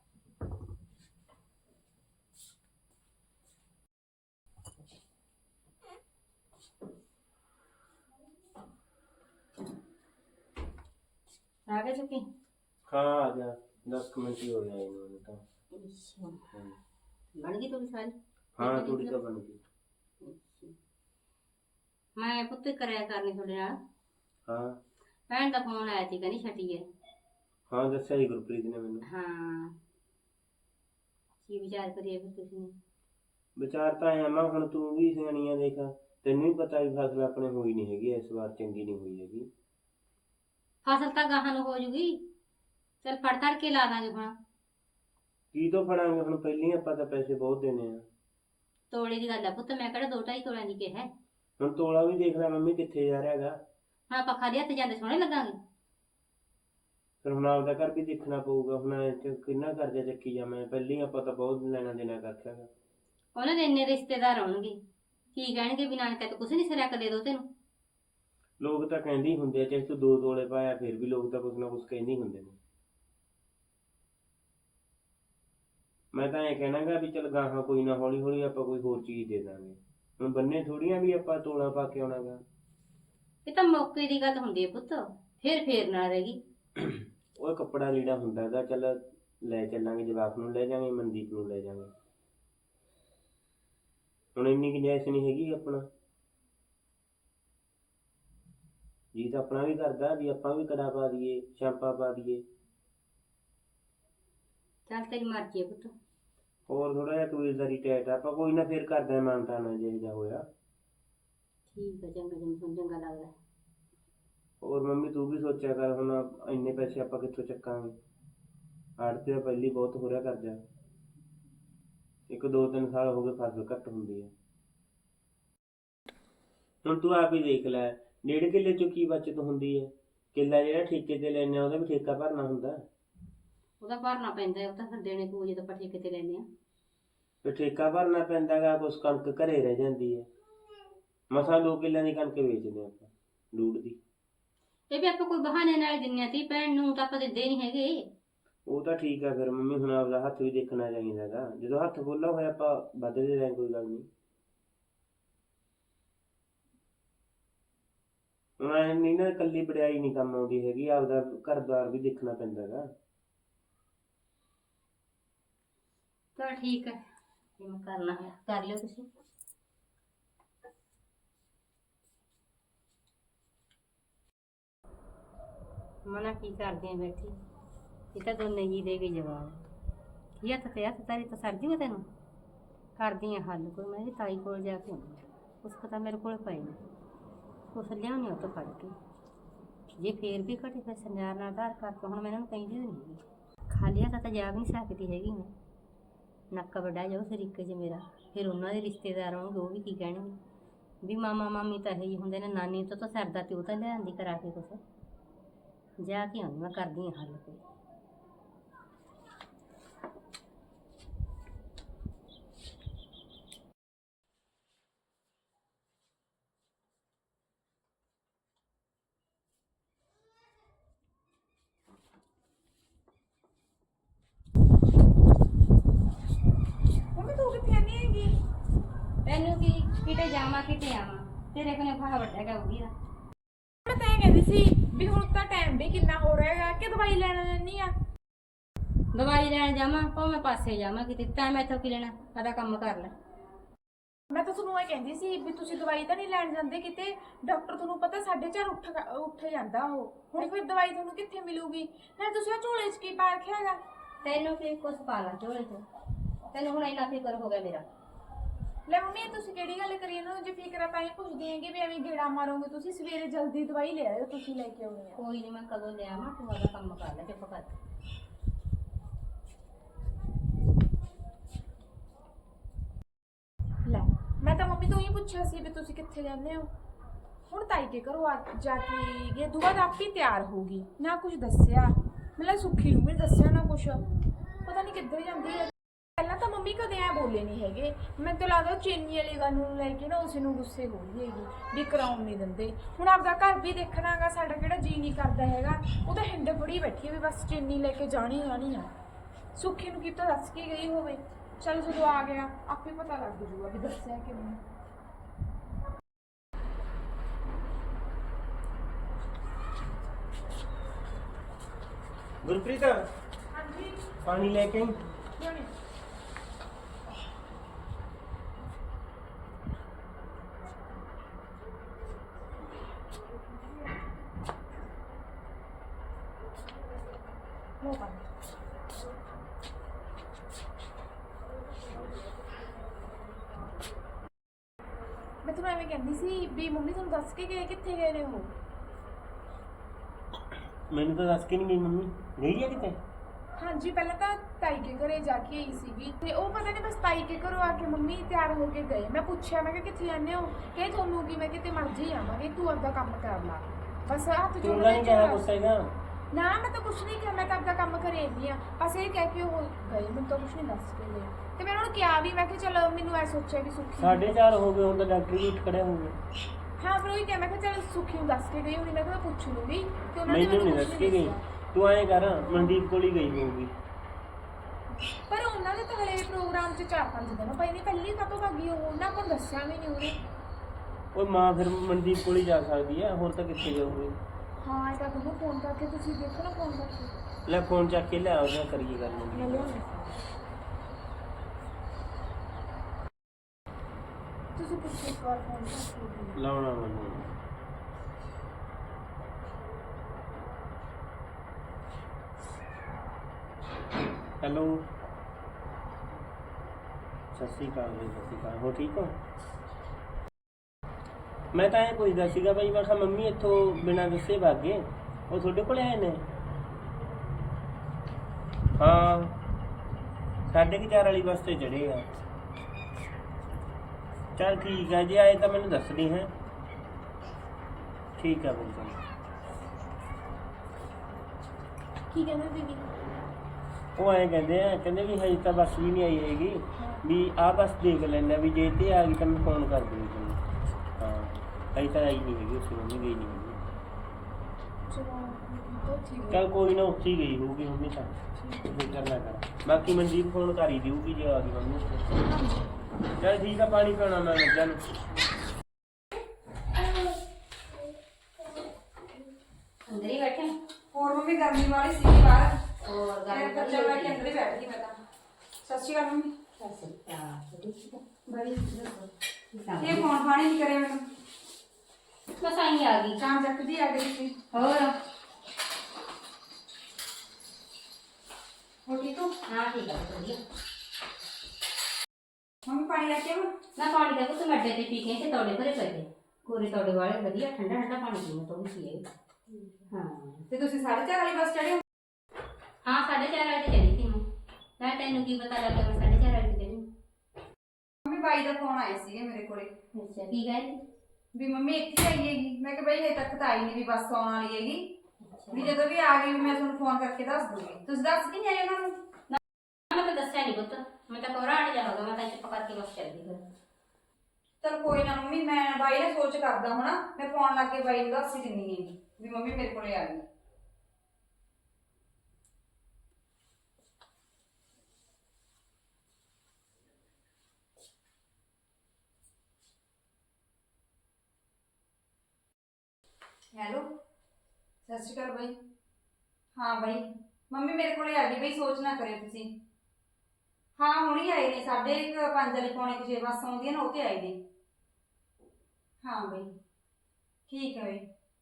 A: ਆ ਗਏ ਸੁੱਕੀ?
C: ਹਾਂ ਆ ਜਾ, ਦਸ ਕੁ ਮਿੰਟ ਹੀ ਹੋ ਗਏ ਇਹਨੂੰ ਤਾਂ।
A: ਅੱਛਾ,
C: ਹਾਂ।
A: ਬਣ ਗਈ ਤੁਹਾਡੀ ਸਾਰੀ?
C: ਹਾਂ ਥੋੜੀ ਤਾਂ ਬਣ ਗਈ।
A: ਅੱਛਾ। ਮੈਂ ਪੁੱਤ ਕਰਿਆ ਕਰਨੀ ਤੁਹਾਡੇ ਨਾਲ,
C: ਹਾਂ
A: ਭੈਣ ਦਾ ਫੋਨ ਆਇਆ ਸੀ, ਕਹਿੰਦੀ ਛੱਟੀ ਹੈ।
C: ਹਾਂ ਦੱਸਿਆ ਸੀ ਗੁਰਪ੍ਰੀਤ ਨੇ ਮੈਨੂੰ।
A: ਹਾਂ, ਕੀ ਵਿਚਾਰ ਕਰੀਏ ਫਿਰ ਤੁਸੀਂ?
C: ਵਿਚਾਰ ਤਾਂ ਆਇਆ ਮੈਂ, ਹੁਣ ਤੂੰ ਵੀ ਸਿਆਣੀ ਆ ਦੇਖ, ਤੈਨੂੰ ਵੀ ਪਤਾ ਵੀ ਫਸਲ ਆਪਣੇ ਹੋਈ ਨਹੀਂ ਹੈਗੀ ਇਸ ਵਾਰ, ਚੰਗੀ ਨਹੀਂ ਹੋਈ ਹੈਗੀ।
A: ਫਸਲ ਤਾਂ ਗਾਹਾਂ ਨੂੰ ਹੋ ਜੂਗੀ, ਚਲ ਫੜ ਤੜ ਕੇ ਲਾ ਦਾਂਗੇ ਹੁਣ।
C: ਕੀ ਤੋਂ ਫੜਾਂਗੇ ਹੁਣ, ਪਹਿਲੀ ਆਪਾਂ ਤਾਂ ਪੈਸੇ ਬਹੁਤ ਦੇਣੇ ਆ।
A: ਤੋਲੇ ਦੀ ਗੱਲ ਆ ਪੁੱਤ, ਮੈਂ ਕਿਹੜਾ ਦੋ ਢਾਈ ਤੋਲਿਆਂ ਦੀ ਕਿਹਾ।
C: ਹੁਣ ਤੋਲਾ ਵੀ ਦੇਖ ਲੈ ਮੰਮੀ ਕਿੱਥੇ ਜਾ ਰਿਹਾ ਹੈਗਾ।
A: ਹਾਂ ਆਪਾਂ ਖਾਲੀ ਹੱਥ ਜਾਂਦੇ ਸੋਹਣੇ ਲੱਗਾਂਗੇ।
C: ਫਿਰ ਹੁਣ ਆਪਦਾ ਘਰ ਵੀ ਦੇਖਣਾ ਪਊਗਾ, ਹੁਣ ਐਂ ਚ ਕਿੰਨਾ ਕਰਜ਼ਾ ਚੱਕੀ ਜਾਵਾਂ, ਪਹਿਲੀ ਆਪਾਂ ਤਾਂ ਬਹੁਤ ਲੈਣਾ ਦੇਣਾ ਕਰਕੇ ਹੈਗਾ।
A: ਉਹਨਾਂ ਦੇ ਇੰਨੇ ਰਿਸ਼ਤੇਦਾਰ ਆਉਣਗੇ, ਕੀ ਕਹਿਣਗੇ ਵੀ ਨਾਨਕਾ ਤੇ ਕੁਛ ਨਹੀਂ ਸਿਰਿਆ ਕਰ ਦੇ ਦੋ ਤੈਨੂੰ।
C: ਲੋਕ ਤਾਂ ਕਹਿੰਦੇ ਹੀ ਹੁੰਦੇ ਆ, ਚਾਹੇ ਤੂੰ ਦੋ ਤੋਲੇ ਪਾਇਆ ਫਿਰ ਵੀ ਲੋਕ ਤਾਂ ਕੁਛ ਨਾ ਕੁਛ ਕਹਿੰਦੇ ਹੀ ਹੁੰਦੇ ਨੇ। ਮੈਂ ਤਾਂ ਇਹ ਕਹਿਣਾਗਾ ਵੀ ਚੱਲ ਗਾਹਾਂ ਕੋਈ ਨਾ, ਹੌਲੀ ਹੌਲੀ ਆਪਾਂ ਕੋਈ ਹੋਰ ਚੀਜ਼ ਦੇ ਦਾਂਗੇ, ਹੁਣ ਬੰਨੇ ਥੋੜੀਆਂ ਵੀ ਆਪਾਂ ਤੋਲਾ ਪਾ ਕੇ ਆਉਣਾਗਾ।
A: ਇਹ ਤਾਂ ਮੌਕੇ ਦੀ ਗੱਲ ਹੁੰਦੀ ਹੈ ਪੁੱਤ, ਫੇਰ ਫੇਰ ਨਾ ਰਹੇਗੀ।
C: ਉਹ ਕੱਪੜਾ ਲੀੜਾ ਹੁੰਦਾ ਹੈਗਾ, ਚੱਲ ਲੈ ਚੱਲਾਂਗੇ, ਜਵਾਕ ਨੂੰ ਲੈ ਜਾਵਾਂਗੇ, ਮਨਦੀਪ ਨੂੰ ਲੈ ਜਾਵਾਂਗੇ। ਹੁਣ ਇੰਨੀ ਗੁੰਜਾਇਸ਼ ਨਹੀਂ ਹੈਗੀ ਆਪਣਾ, ਜੀ ਤਾਂ ਆਪਣਾ ਵੀ ਕਰਦਾ ਵੀ ਆਪਾਂ ਵੀ ਕੜਾ ਪਾ ਦਈਏ, ਸ਼ਾਂਪਾ ਪਾ ਦਈਏ।
A: ਚੱਲ ਤੇਰੀ ਮਰਜ਼ੀ ਹੈ ਪੁੱਤ।
C: ਹੋਰ ਥੋੜਾ ਜਿਹਾ ਕਬੀਲਦਾਰੀ ਟੈਟ ਆਪਾਂ ਕੋਈ ਨਾ, ਫਿਰ ਕਰਦਾ ਮਾਨਤਾ ਨਾਲ ਜਿਹੋ ਜਿਹਾ ਹੋਇਆ।
A: ਠੀਕ ਹੈ, ਚੰਗਾ ਜਿਵੇਂ ਤੁਹਾਨੂੰ ਚੰਗਾ ਲੱਗਦਾ।
C: ਹੋਰ ਮੰਮੀ ਤੂੰ ਵੀ ਸੋਚਿਆ ਕਰ, ਹੁਣ ਇੰਨੇ ਪੈਸੇ ਆਪਾਂ ਕਿੱਥੋਂ ਚੱਕਾਂਗੇ, ਆੜਤੀ ਦਾ ਪਹਿਲੀ ਬਹੁਤ ਹੋ ਰਿਹਾ ਕਰਜ਼ਾ, ਇੱਕ ਦੋ ਤਿੰਨ ਸਾਲ ਹੋ ਗਏ ਫਸਲ ਘੱਟ ਹੁੰਦੀ ਹੈ। ਹੁਣ ਤੂੰ ਆਪ ਹੀ ਦੇਖ ਲੈ, ਡੇਢ ਕਿੱਲੇ ਚੋਂ ਕੀ ਬਚਤ ਹੁੰਦੀ ਹੈ, ਕਿੱਲਾ ਜਿਹੜਾ ਠੇਕੇ ਤੇ ਲੈਣੇ ਉਹਦਾ ਵੀ ਠੇਕਾ ਭਰਨਾ ਹੁੰਦਾ।
A: ਉਹਦਾ ਭਰਨਾ ਪੈਂਦਾ, ਉਹ ਤਾਂ ਫਿਰ ਦੇਣੇ ਪਊ ਜਦੋਂ ਆਪਾਂ ਠੇਕੇ ਤੇ ਲੈਂਦੇ ਹਾਂ।
C: ਫਿਰ ਠੇਕਾ ਭਰਨਾ ਪੈਂਦਾ ਗਾ, ਕੁਛ ਕਣਕ ਘਰੇ ਰਹਿ ਜਾਂਦੀ ਹੈ, ਮਸਾਂ ਦੋ ਕਿੱਲਿਆਂ ਦੀ ਕਣਕ ਵੇਚਦੇ ਆਪਾਂ ਡੂਢ ਦੀ।
A: ਇਹ ਵੀ ਆਪਾਂ ਕੋਈ ਬਹਾਨੇ ਨਾਲ ਦਿੰਨੇ ਆ, ਤੀ ਭੈਣ ਨੂੰ ਤਾਂ ਆਪਾਂ ਦਿੰਦੇ ਨਹੀਂ ਹੈਗੇ।
C: ਉਹ ਤਾਂ ਠੀਕ ਆ, ਫਿਰ ਮੰਮੀ ਹੁਣ ਆਪਦਾ ਹੱਥ ਵੀ ਦੇਖਣਾ ਚਾਹੀਦਾ ਗਾ, ਜਦੋਂ ਹੱਥ ਖੋਲ੍ਹਾ ਹੋਇਆ ਆਪਾਂ ਵੱਧਦੇ ਰਹੇ, ਕੋਈ ਗੱਲ ਨਹੀਂ। ਹੁਣ ਐ ਨਹੀਂ ਨਾ, ਇਕੱਲੀ ਵਡਿਆਈ ਨਹੀਂ ਕੰਮ ਆਉਂਦੀ ਹੈਗੀ, ਆਪਦਾ ਘਰ-ਬਾਰ ਵੀ ਦੇਖਣਾ ਪੈਂਦਾ ਗਾ।
A: ਚਲ ਠੀਕ ਹੈ, ਜਿਵੇਂ ਕਰਨਾ ਹੈ ਕਰ ਲਿਓ ਤੁਸੀਂ। ਮਨਾ ਕੀ ਕਰਦੇ ਆ ਬੈਠੀ, ਇਹ ਤਾਂ ਦੋਨੇ ਜੀ ਦੇ ਕੇ ਜਵਾਬ। ਕੀ ਹੱਥ ਤੇ ਹੱਥ ਤਾਰੀ ਤਾਂ ਸਰ ਜੂਗਾ ਤੈਨੂੰ, ਕਰਦੀ ਆ ਹੱਲ ਕੋਈ। ਮੈਂ ਵੀ ਤਾਈ ਕੋਲ ਜਾ ਕੇ ਆਉਂਦੀ, ਕੁਛ ਪਤਾ ਮੇਰੇ ਕੋਲ ਪਏ ਨੇ, ਕੁਛ ਲਿਆਉਣੀ ਉਹ ਤੋਂ ਫੜ ਕੇ। ਜੇ ਫੇਰ ਵੀ ਘਟੇ ਫਿਰ ਸੰਜਾਰ ਨਾਲ ਆਧਾਰ ਕਰਕੇ, ਹੁਣ ਮੈਂ ਇਹਨਾਂ ਨੂੰ ਕਹਿੰਦੀ ਨਹੀਂ ਹੈਗੀ, ਖਾਲੀ ਹੱਥ ਤਾਂ ਜਾ ਵੀ ਨਹੀਂ ਸਕਦੀ ਹੈਗੀ ਮੈਂ। ਨੱਕ ਵੱਡਾ ਜਾਓ ਸਰੀਕੇ 'ਚ ਮੇਰਾ, ਫਿਰ ਉਹਨਾਂ ਦੇ ਰਿਸ਼ਤੇਦਾਰ ਆਉਣਗੇ, ਉਹ ਵੀ ਕੀ ਕਹਿਣਗੇ ਵੀ ਮਾਮਾ ਮਾਮੀ ਤਾਂ ਇਹੋ ਜਿਹੇ ਹੁੰਦੇ ਨੇ, ਨਾਨੀ ਤੋਂ ਤਾਂ ਸਰਦਾ ਤੇ ਉਹ ਤਾਂ ਲਿਆਂਦੀ ਕਰਾ ਕੇ ਕੁਛ। ਜਾ ਕੇ ਆਉਂਦੀ ਮੈਂ, ਕਰਦੀ ਹਾਂ ਹੱਲ ਕੋਈ। ਕਿਤੇ ਜਾਵਾਂ ਕਿਤੇ ਆਵਾਂ, ਤੇਰੇ ਕੋਲ ਫਾਹਾ ਵੱਡਾ ਗਾਉਗੀ ਦਾ।
B: ਮੈਂ ਤਾਂ ਇਹ ਕਹਿੰਦੀ ਸੀ ਵੀ ਹੁਣ ਤਾਂ ਟਾਈਮ ਵੀ ਕਿੰਨਾ ਹੋ ਰਿਹਾ ਹੈਗਾ ਕਿ ਦਵਾਈ ਲੈਣ ਜਾਂਦੀ ਆ।
A: ਦਵਾਈ ਲੈਣ ਜਾਵਾਂ ਭਾਵੇਂ ਪਾਸੇ ਜਾਵਾਂ ਕਿਤੇ, ਤਾਂ ਮੈਂ ਇੱਥੋਂ ਕੀ ਲੈਣਾ, ਆਦਾ ਕੰਮ ਕਰ ਲੈ।
B: ਮੈਂ ਤਾਂ ਤੁਹਾਨੂੰ ਇਹ ਕਹਿੰਦੀ ਸੀ ਵੀ ਤੁਸੀਂ ਦਵਾਈ ਤਾਂ ਨਹੀਂ ਲੈਣ ਜਾਂਦੇ ਕਿਤੇ, ਡਾਕਟਰ ਤੁਹਾਨੂੰ ਪਤਾ ਸਾਢੇ ਚਾਰ ਉੱਠ ਉੱਠ ਜਾਂਦਾ ਉਹ, ਹੁਣ ਫਿਰ ਦਵਾਈ ਤੁਹਾਨੂੰ ਕਿੱਥੇ ਮਿਲੂਗੀ। ਨਾ ਤੁਸੀਂ ਆ ਝੋਲੇ 'ਚ ਕੀ ਪਾ ਰੱਖਿਆ ਹੈਗਾ?
A: ਤੈਨੂੰ ਕੀ ਕੁਛ ਪਾ ਲਾ ਝੋਲੇ 'ਚ, ਤੈਨੂੰ ਹੁਣ ਇੰਨਾ ਫਿਕਰ ਹੋ ਗਿਆ ਮੇਰਾ।
B: ਲੈ ਮੰਮੀ ਇਹ ਤੁਸੀਂ ਕਿਹੜੀ ਗੱਲ ਕਰੀ ਇਹਨਾਂ ਨੂੰ, ਜੇ ਫਿਕਰ ਆ ਤਾਂ ਹੀ ਪੁੱਛਦੀ ਹੈਗੀ ਵੀ ਐਵੇਂ ਗੇੜਾ ਮਾਰੋਗੇ ਤੁਸੀਂ, ਸਵੇਰੇ ਜਲਦੀ ਦਵਾਈ ਲੈ ਆਇਓ, ਤੁਸੀਂ ਲੈ ਕੇ ਆਉਣੀ ਆ।
A: ਕੋਈ ਨਹੀਂ ਮੈਂ ਕਦੋਂ ਲਿਆਵਾਂ, ਤੂੰ ਆਦਾ ਕੰਮ ਕਰ ਲੈ, ਚੁੱਪ ਕਰ।
B: ਲੈ ਮੈਂ ਤਾਂ ਮੰਮੀ ਤੋਂ ਹੀ ਪੁੱਛਿਆ ਸੀ ਵੀ ਤੁਸੀਂ ਕਿੱਥੇ ਜਾਂਦੇ ਹੋ, ਹੁਣ ਤਾਈ ਕੇ ਘਰੋਂ ਆ ਜਾ ਕੇ ਇਹ ਦੁਆ ਦਾ ਆਪ ਹੀ ਤਿਆਰ ਹੋਊਗੀ, ਨਾ ਕੁਝ ਦੱਸਿਆ, ਮਤਲਬ ਸੁੱਖੀ ਨੂੰ ਵੀ ਦੱਸਿਆ ਨਾ ਕੁਛ, ਪਤਾ ਨਹੀਂ ਕਿੱਧਰ ਜਾਂਦੀ ਹੈ। ਪਹਿਲਾਂ ਤਾਂ ਮੰਮੀ ਕਦੇ ਐ ਬੋਲੇ ਨਹੀਂ ਹੈਗੇ, ਮੈਨੂੰ ਤਾਂ ਲੱਗਦਾ ਚੀਨੀ ਵਾਲੀ ਗੱਲ ਨੂੰ ਲੈ ਕੇ ਨਾ ਉਸ ਨੂੰ ਗੁੱਸੇ ਹੋ ਰਹੀ ਹੈਗੀ ਵੀ ਕਰਾਉਣ ਨਹੀਂ ਦਿੰਦੇ। ਹੁਣ ਆਪਦਾ ਘਰ ਵੀ ਦੇਖਣਾਗਾ, ਸਾਡਾ ਕਿਹੜਾ ਜੀ ਨਹੀਂ ਕਰਦਾ ਹੈਗਾ, ਉਹ ਤਾਂ ਹਿੰਡ ਫੜੀ ਬੈਠੀ ਵੀ ਬਸ ਚੀਨੀ ਲੈ ਕੇ ਜਾਣੀ ਜਾਣੀ ਆ। ਸੁੱਖੀ ਨੂੰ ਕੀ ਤਾਂ ਦੱਸ ਕੇ ਗਈ ਹੋਵੇ, ਚੱਲ ਜਦੋਂ ਆ ਗਿਆ ਆਪੇ ਪਤਾ ਲੱਗ ਜੂਗਾ ਵੀ ਦੱਸਿਆ ਕਿ ਨਹੀਂ।
C: ਗੁਰਪ੍ਰੀਤ
B: ਹਾਂਜੀ
C: ਪਾਣੀ ਲੈ ਕੇ ਆਈ।
B: ਲਿਆਉਣੀ। ਲਓ ਪਾਣੀ। ਮੈਂ ਤੁਹਾਨੂੰ ਐਵੇਂ ਕਹਿੰਦੀ ਸੀ ਵੀ ਮੰਮੀ ਤੁਹਾਨੂੰ ਦੱਸ ਕੇ ਗਏ ਕਿੱਥੇ ਗਏ ਨੇ ਉਹ?
C: ਮੈਨੂੰ ਤਾਂ ਦੱਸ ਕੇ ਨਹੀਂ ਗਈ ਮੰਮੀ, ਗਈ ਆ ਕਿਤੇ?
B: ਹਾਂਜੀ ਪਹਿਲਾਂ ਤਾਂ ਤਾਈ ਕੇ ਘਰੇ ਜਾ ਕੇ ਆਈ ਸੀਗੀ ਤੇ ਉਹ ਪਤਾ ਨਹੀਂ ਬਸ ਤਾਈ ਕੇ ਘਰੋਂ ਆ ਕੇ ਮੰਮੀ ਤਿਆਰ ਹੋ ਕੇ ਗਏ। ਮੈਂ ਪੁੱਛਿਆ ਮੈਂ ਕਿਹਾ ਕਿੱਥੇ ਜਾਂਦੇ ਹੋ, ਕਹੇ ਤੁਹਾਨੂੰ ਕੀ, ਮੈਂ ਕਿਤੇ ਮਰਜ਼ੀ ਆਵਾਂਗੇ, ਤੂੰ ਆਪਦਾ ਕੰਮ ਕਰ ਲਾ ਬਸ। ਹੱਥ
C: ਤੂੰ ਤਾਂ ਨਹੀਂ ਕਹਿਣਾ ਕੁਛ ਹੈਗਾ?
B: ਨਾ ਮੈਂ ਤਾਂ ਕੁਛ ਨਹੀਂ ਕਿਹਾ, ਮੈਂ ਤਾਂ ਆਪਦਾ ਕੰਮ ਘਰੇ ਆਈ ਆ, ਬਸ ਇਹ ਕਹਿ ਕੇ ਉਹ ਗਏ, ਮੈਨੂੰ ਤਾਂ ਕੁਛ ਨਹੀਂ ਦੱਸ ਕੇ ਗਏ। ਤੇ ਮੈਂ ਉਹਨਾਂ ਨੂੰ ਕਿਹਾ ਵੀ, ਮੈਂ ਕਿਹਾ ਚਲੋ ਮੈਨੂੰ ਐ ਸੋਚਿਆ ਵੀ ਸੁੱਖੀ
C: ਸਾਢੇ ਚਾਰ ਹੋ ਗਏ, ਹੁਣ ਤਾਂ ਡਾਕਟਰ ਵੀ ਉੱਠ ਖੜਿਆ ਹੋਊਗਾ।
B: ਹਾਂ ਫਿਰ ਉਹੀ ਕਿਹਾ, ਮੈਂ ਕਿਹਾ ਚਲ ਸੁੱਖੀ ਨੂੰ ਦੱਸ ਕੇ ਗਈ ਹੋਣੀ, ਮੈਂ ਕਿਹਾ ਪੁੱਛ ਲੂੰਗੀ ਤੇ ਉਹਨਾਂ ਨੇ
C: ਮੈਨੂੰ ਨਹੀਂ
B: ਕੁਛ
C: ਦੱਸ ਕੇ ਗਈ।
B: ਦੱਸਿਆ।
C: ਤੂੰ ਐਂ ਕਰ, ਮਨਦੀਪ ਕੋਲ ਹੀ ਗਈ ਹੋਊਗੀ।
B: ਪਰ ਉਹਨਾਂ ਦੇ ਤਾਂ ਹਲੇ ਪ੍ਰੋਗਰਾਮ 'ਚ ਚਾਰ ਪੰਜ ਦਿਨ ਪਏ ਨੇ, ਪਹਿਲੀ ਕਦੋਂ ਭਾਗੀ ਉਹ, ਉਹਨਾਂ ਕੋਲ ਦੱਸਿਆ ਵੀ ਨਹੀਂ ਉਹਨੇ।
C: ਉਹ ਮਾਂ ਫਿਰ ਮਨਦੀਪ ਕੋਲ ਹੀ ਜਾ ਸਕਦੀ ਹੈ, ਹੋਰ ਤਾਂ ਕਿੱਥੇ ਜਾਊਗੀ।
B: ਹਾਂ ਇਹ ਤਾਂ ਤੁਹਾਨੂੰ ਫੋਨ ਕਰਕੇ ਤੁਸੀਂ ਦੇਖੋ ਨਾ, ਫੋਨ ਕਰਕੇ
C: ਲੈ ਫੋਨ ਚੱਕ ਕੇ ਲੈ ਆਉਂਦੇ ਕਰੀਏ ਗੱਲ।
B: ਮੈਂ ਲਿਆਉਂਦੀ। ਤੁਸੀਂ ਪੁੱਛੋ ਇੱਕ ਵਾਰ ਫੋਨ ਕਰਕੇ।
C: ਲਾਉਣਾ ਮੈਨੂੰ। ਹੈਲੋ ਸਤਿ ਸ਼੍ਰੀ ਅਕਾਲ ਜੀ। ਸਤਿ ਸ਼੍ਰੀ ਅਕਾਲ, ਹੋ ਠੀਕ ਹੋ? ਮੈਂ ਤਾਂ ਇਹ ਪੁੱਛਦਾ ਸੀਗਾ ਬਾਈ, ਮੈਂ ਕਿਹਾ ਮੰਮੀ ਇੱਥੋਂ ਬਿਨਾਂ ਦੱਸੇ ਭੱਗ ਗਏ, ਉਹ ਤੁਹਾਡੇ ਕੋਲ ਆਏ ਨੇ? ਹਾਂ ਸਾਢੇ ਕੁ ਚਾਰ ਵਾਲੀ ਬੱਸ ਤੇ ਚੜੇ ਆ। ਚੱਲ ਠੀਕ ਹੈ, ਜੇ ਆਏ ਤਾਂ ਮੈਨੂੰ ਦੱਸਣੀ ਹੈ। ਠੀਕ ਹੈ ਬਿਲਕੁਲ।
B: ਕੀ ਕਹਿੰਦੇ ਦੀਦੀ?
C: ਉਹ ਐਂ ਕਹਿੰਦੇ ਆ, ਕਹਿੰਦੇ ਵੀ ਹਜੇ ਤਾਂ ਬੱਸ ਵੀ ਨਹੀਂ ਆਈ ਹੈਗੀ, ਵੀ ਆਹ ਬੱਸ ਦੇਖ ਲੈਂਦਾ, ਵੀ ਜੇ ਤੇ ਆ ਗਈ ਤਾਂ ਮੈਂ ਫੋਨ ਕਰ ਦੂੰਗੀ ਤੁਹਾਨੂੰ। ਹਾਂ ਹਜੇ ਤਾਂ ਆਈ ਨਹੀਂ ਹੈਗੀ, ਉੱਥੇ ਮੰਮੀ ਗਈ ਨਹੀਂ ਹੈਗੀ।
B: ਚਲੋ ਤਾਂ ਠੀਕ ਹੈ।
C: ਚੱਲ ਕੋਈ ਨਾ, ਉੱਥੇ ਹੀ ਗਈ ਹੋਊਗੀ ਮੰਮੀ ਤਾਂ, ਫਿਕਰ ਨਾ ਕਰ। ਬਾਕੀ ਮਨਦੀਪ ਫੋਨ ਕਰ ਹੀ ਦੇਊਗੀ ਜੇ ਆ ਗਈ ਮੰਮੀ। ਚੱਲ ਠੀਕ ਆ, ਪਾਣੀ ਪਿਆਉਣਾ ਮੈਂ ਮੱਝਾਂ ਨੂੰ।
A: ਅੰਦਰ ਹੀ ਬੈਠੇ
D: ਹੋਰ ਮੰਮੀ ਗਰਮੀ ਵਾਲੀ ਸੀਗੀ ਬਾਹਰ,
A: ਹੋਰ
D: ਮੈਂ
A: ਗੱਲ
D: ਬੱਚਾ ਲੈ ਕੇ ਅੰਦਰ ਹੀ ਬੈਠ ਗਈ। ਮੈਂ ਤਾਂ ਸਤਿ ਸ਼੍ਰੀ ਅਕਾਲ ਮੰਮੀ। ਬੜੀ ਇਹ ਫੋਨ ਫਾਣੀ ਨਹੀਂ ਕਰਿਆ ਮੈਨੂੰ,
A: ਬਸ ਆਈ ਆ ਗਈ।
D: ਸ਼ਾਮ ਚੱਕਦੀ ਆ ਗਈ ਸੀ।
A: ਹੋਰ
D: ਹੋ ਠੀਕ ਹੋ?
A: ਹਾਂ ਠੀਕ ਆ ਵਧੀਆ।
D: ਮੰਮੀ ਪਾਣੀ ਲੈ ਕੇ ਆਵਾਂ?
A: ਨਾ ਪਾਣੀ ਦਾ ਕੁਝ ਮੱਡੇ ਤੇ ਪੀ ਕੇ ਤੇ ਤੌੜੇ ਭਰੇ ਪਏ ਤੇ ਕੋਰੇ ਤੌੜੇ ਵਾਲੇ ਵਧੀਆ ਠੰਡਾ ਠੰਡਾ ਪਾਣੀ ਪੀਣਾ ਤੋਂ ਵੀ ਪੀਏ। ਹਾਂ
D: ਤੇ ਤੁਸੀਂ ਸਾਢੇ ਚਾਰ ਵਾਲੀ ਬੱਸ ਚੜ੍ਹੇ ਹੋ?
A: ਹਾਂ ਸਾਢੇ ਚਾਰ ਵਜੇ ਚਲੀ ਸੀ ਮੈਂ। ਮੈਂ ਤੈਨੂੰ ਕੀ ਪਤਾ ਲੱਗਿਆ ਮੈਂ ਸਾਢੇ ਚਾਰ ਵਜੇ ਚਲੀ?
D: ਮੰਮੀ ਬਾਈ ਦਾ ਫੋਨ ਆਇਆ ਸੀਗਾ ਮੇਰੇ ਕੋਲੇ,
A: ਅੱਛਾ ਕੀ ਕਹਿੰਦੀ?
D: ਵੀ ਮੰਮੀ ਇੱਥੇ ਆਈ ਹੈਗੀ। ਮੈਂ ਕਿਹਾ ਬਈ ਹਜੇ ਤੱਕ ਤਾਂ ਆਈ ਨਹੀਂ, ਵੀ ਬੱਸ ਆਉਣ ਵਾਲੀ ਹੈਗੀ, ਵੀ ਜਦੋਂ ਵੀ ਆ ਗਈ ਮੈਂ ਤੁਹਾਨੂੰ ਫੋਨ ਕਰਕੇ ਦੱਸ ਦੂੰਗੀ। ਤੁਸੀਂ ਦੱਸ ਕਿ ਨਹੀਂ ਆਏ ਉਹਨਾਂ ਨੂੰ?
A: ਮੈਂ ਤਾਂ ਦੱਸਿਆ ਨਹੀਂ ਪੁੱਤ, ਮੈਂ ਤਾਂ ਘਬਰਾਹਟ ਜਾ ਹੋ ਗਿਆ, ਮੈਂ ਤਾਂ ਚੁੱਪ ਕਰਕੇ ਬਸ ਚੱਲ ਗਈ ਫਿਰ।
D: ਚਲ ਕੋਈ ਨਾ ਮੰਮੀ, ਮੈਂ ਬਾਈ ਨੇ ਸੋਚ ਕਰਦਾ ਹੋਣਾ, ਮੈਂ ਫੋਨ ਲਾ ਕੇ ਬਾਈ ਨੂੰ ਦੱਸ ਹੀ ਦਿੰਦੀ ਹੈਗੀ ਵੀ ਮੰਮੀ ਮੇਰੇ ਕੋਲੇ ਆ ਗਈ। ਹੈਲੋ, ਸਤਿ ਸ਼੍ਰੀ ਅਕਾਲ ਬਾਈ। ਹਾਂ ਬਾਈ, ਮੰਮੀ ਮੇਰੇ ਕੋਲੇ ਆ ਗਈ ਬਈ, ਸੋਚ ਨਾ ਕਰਿਓ ਤੁਸੀਂ। ਹਾਂ ਹੁਣੀ ਆਏ ਨੇ, ਸਾਢੇ ਇੱਕ ਪੰਜ ਵਾਲੀ ਪੌਣੇ ਕੁ ਛੇ ਬੱਸ ਆਉਂਦੀ ਹੈ ਨਾ, ਉਹ ਤੇ ਆਏ ਨੇ। ਹਾਂ ਬਾਈ, ਠੀਕ ਹੈ ਬਾਈ।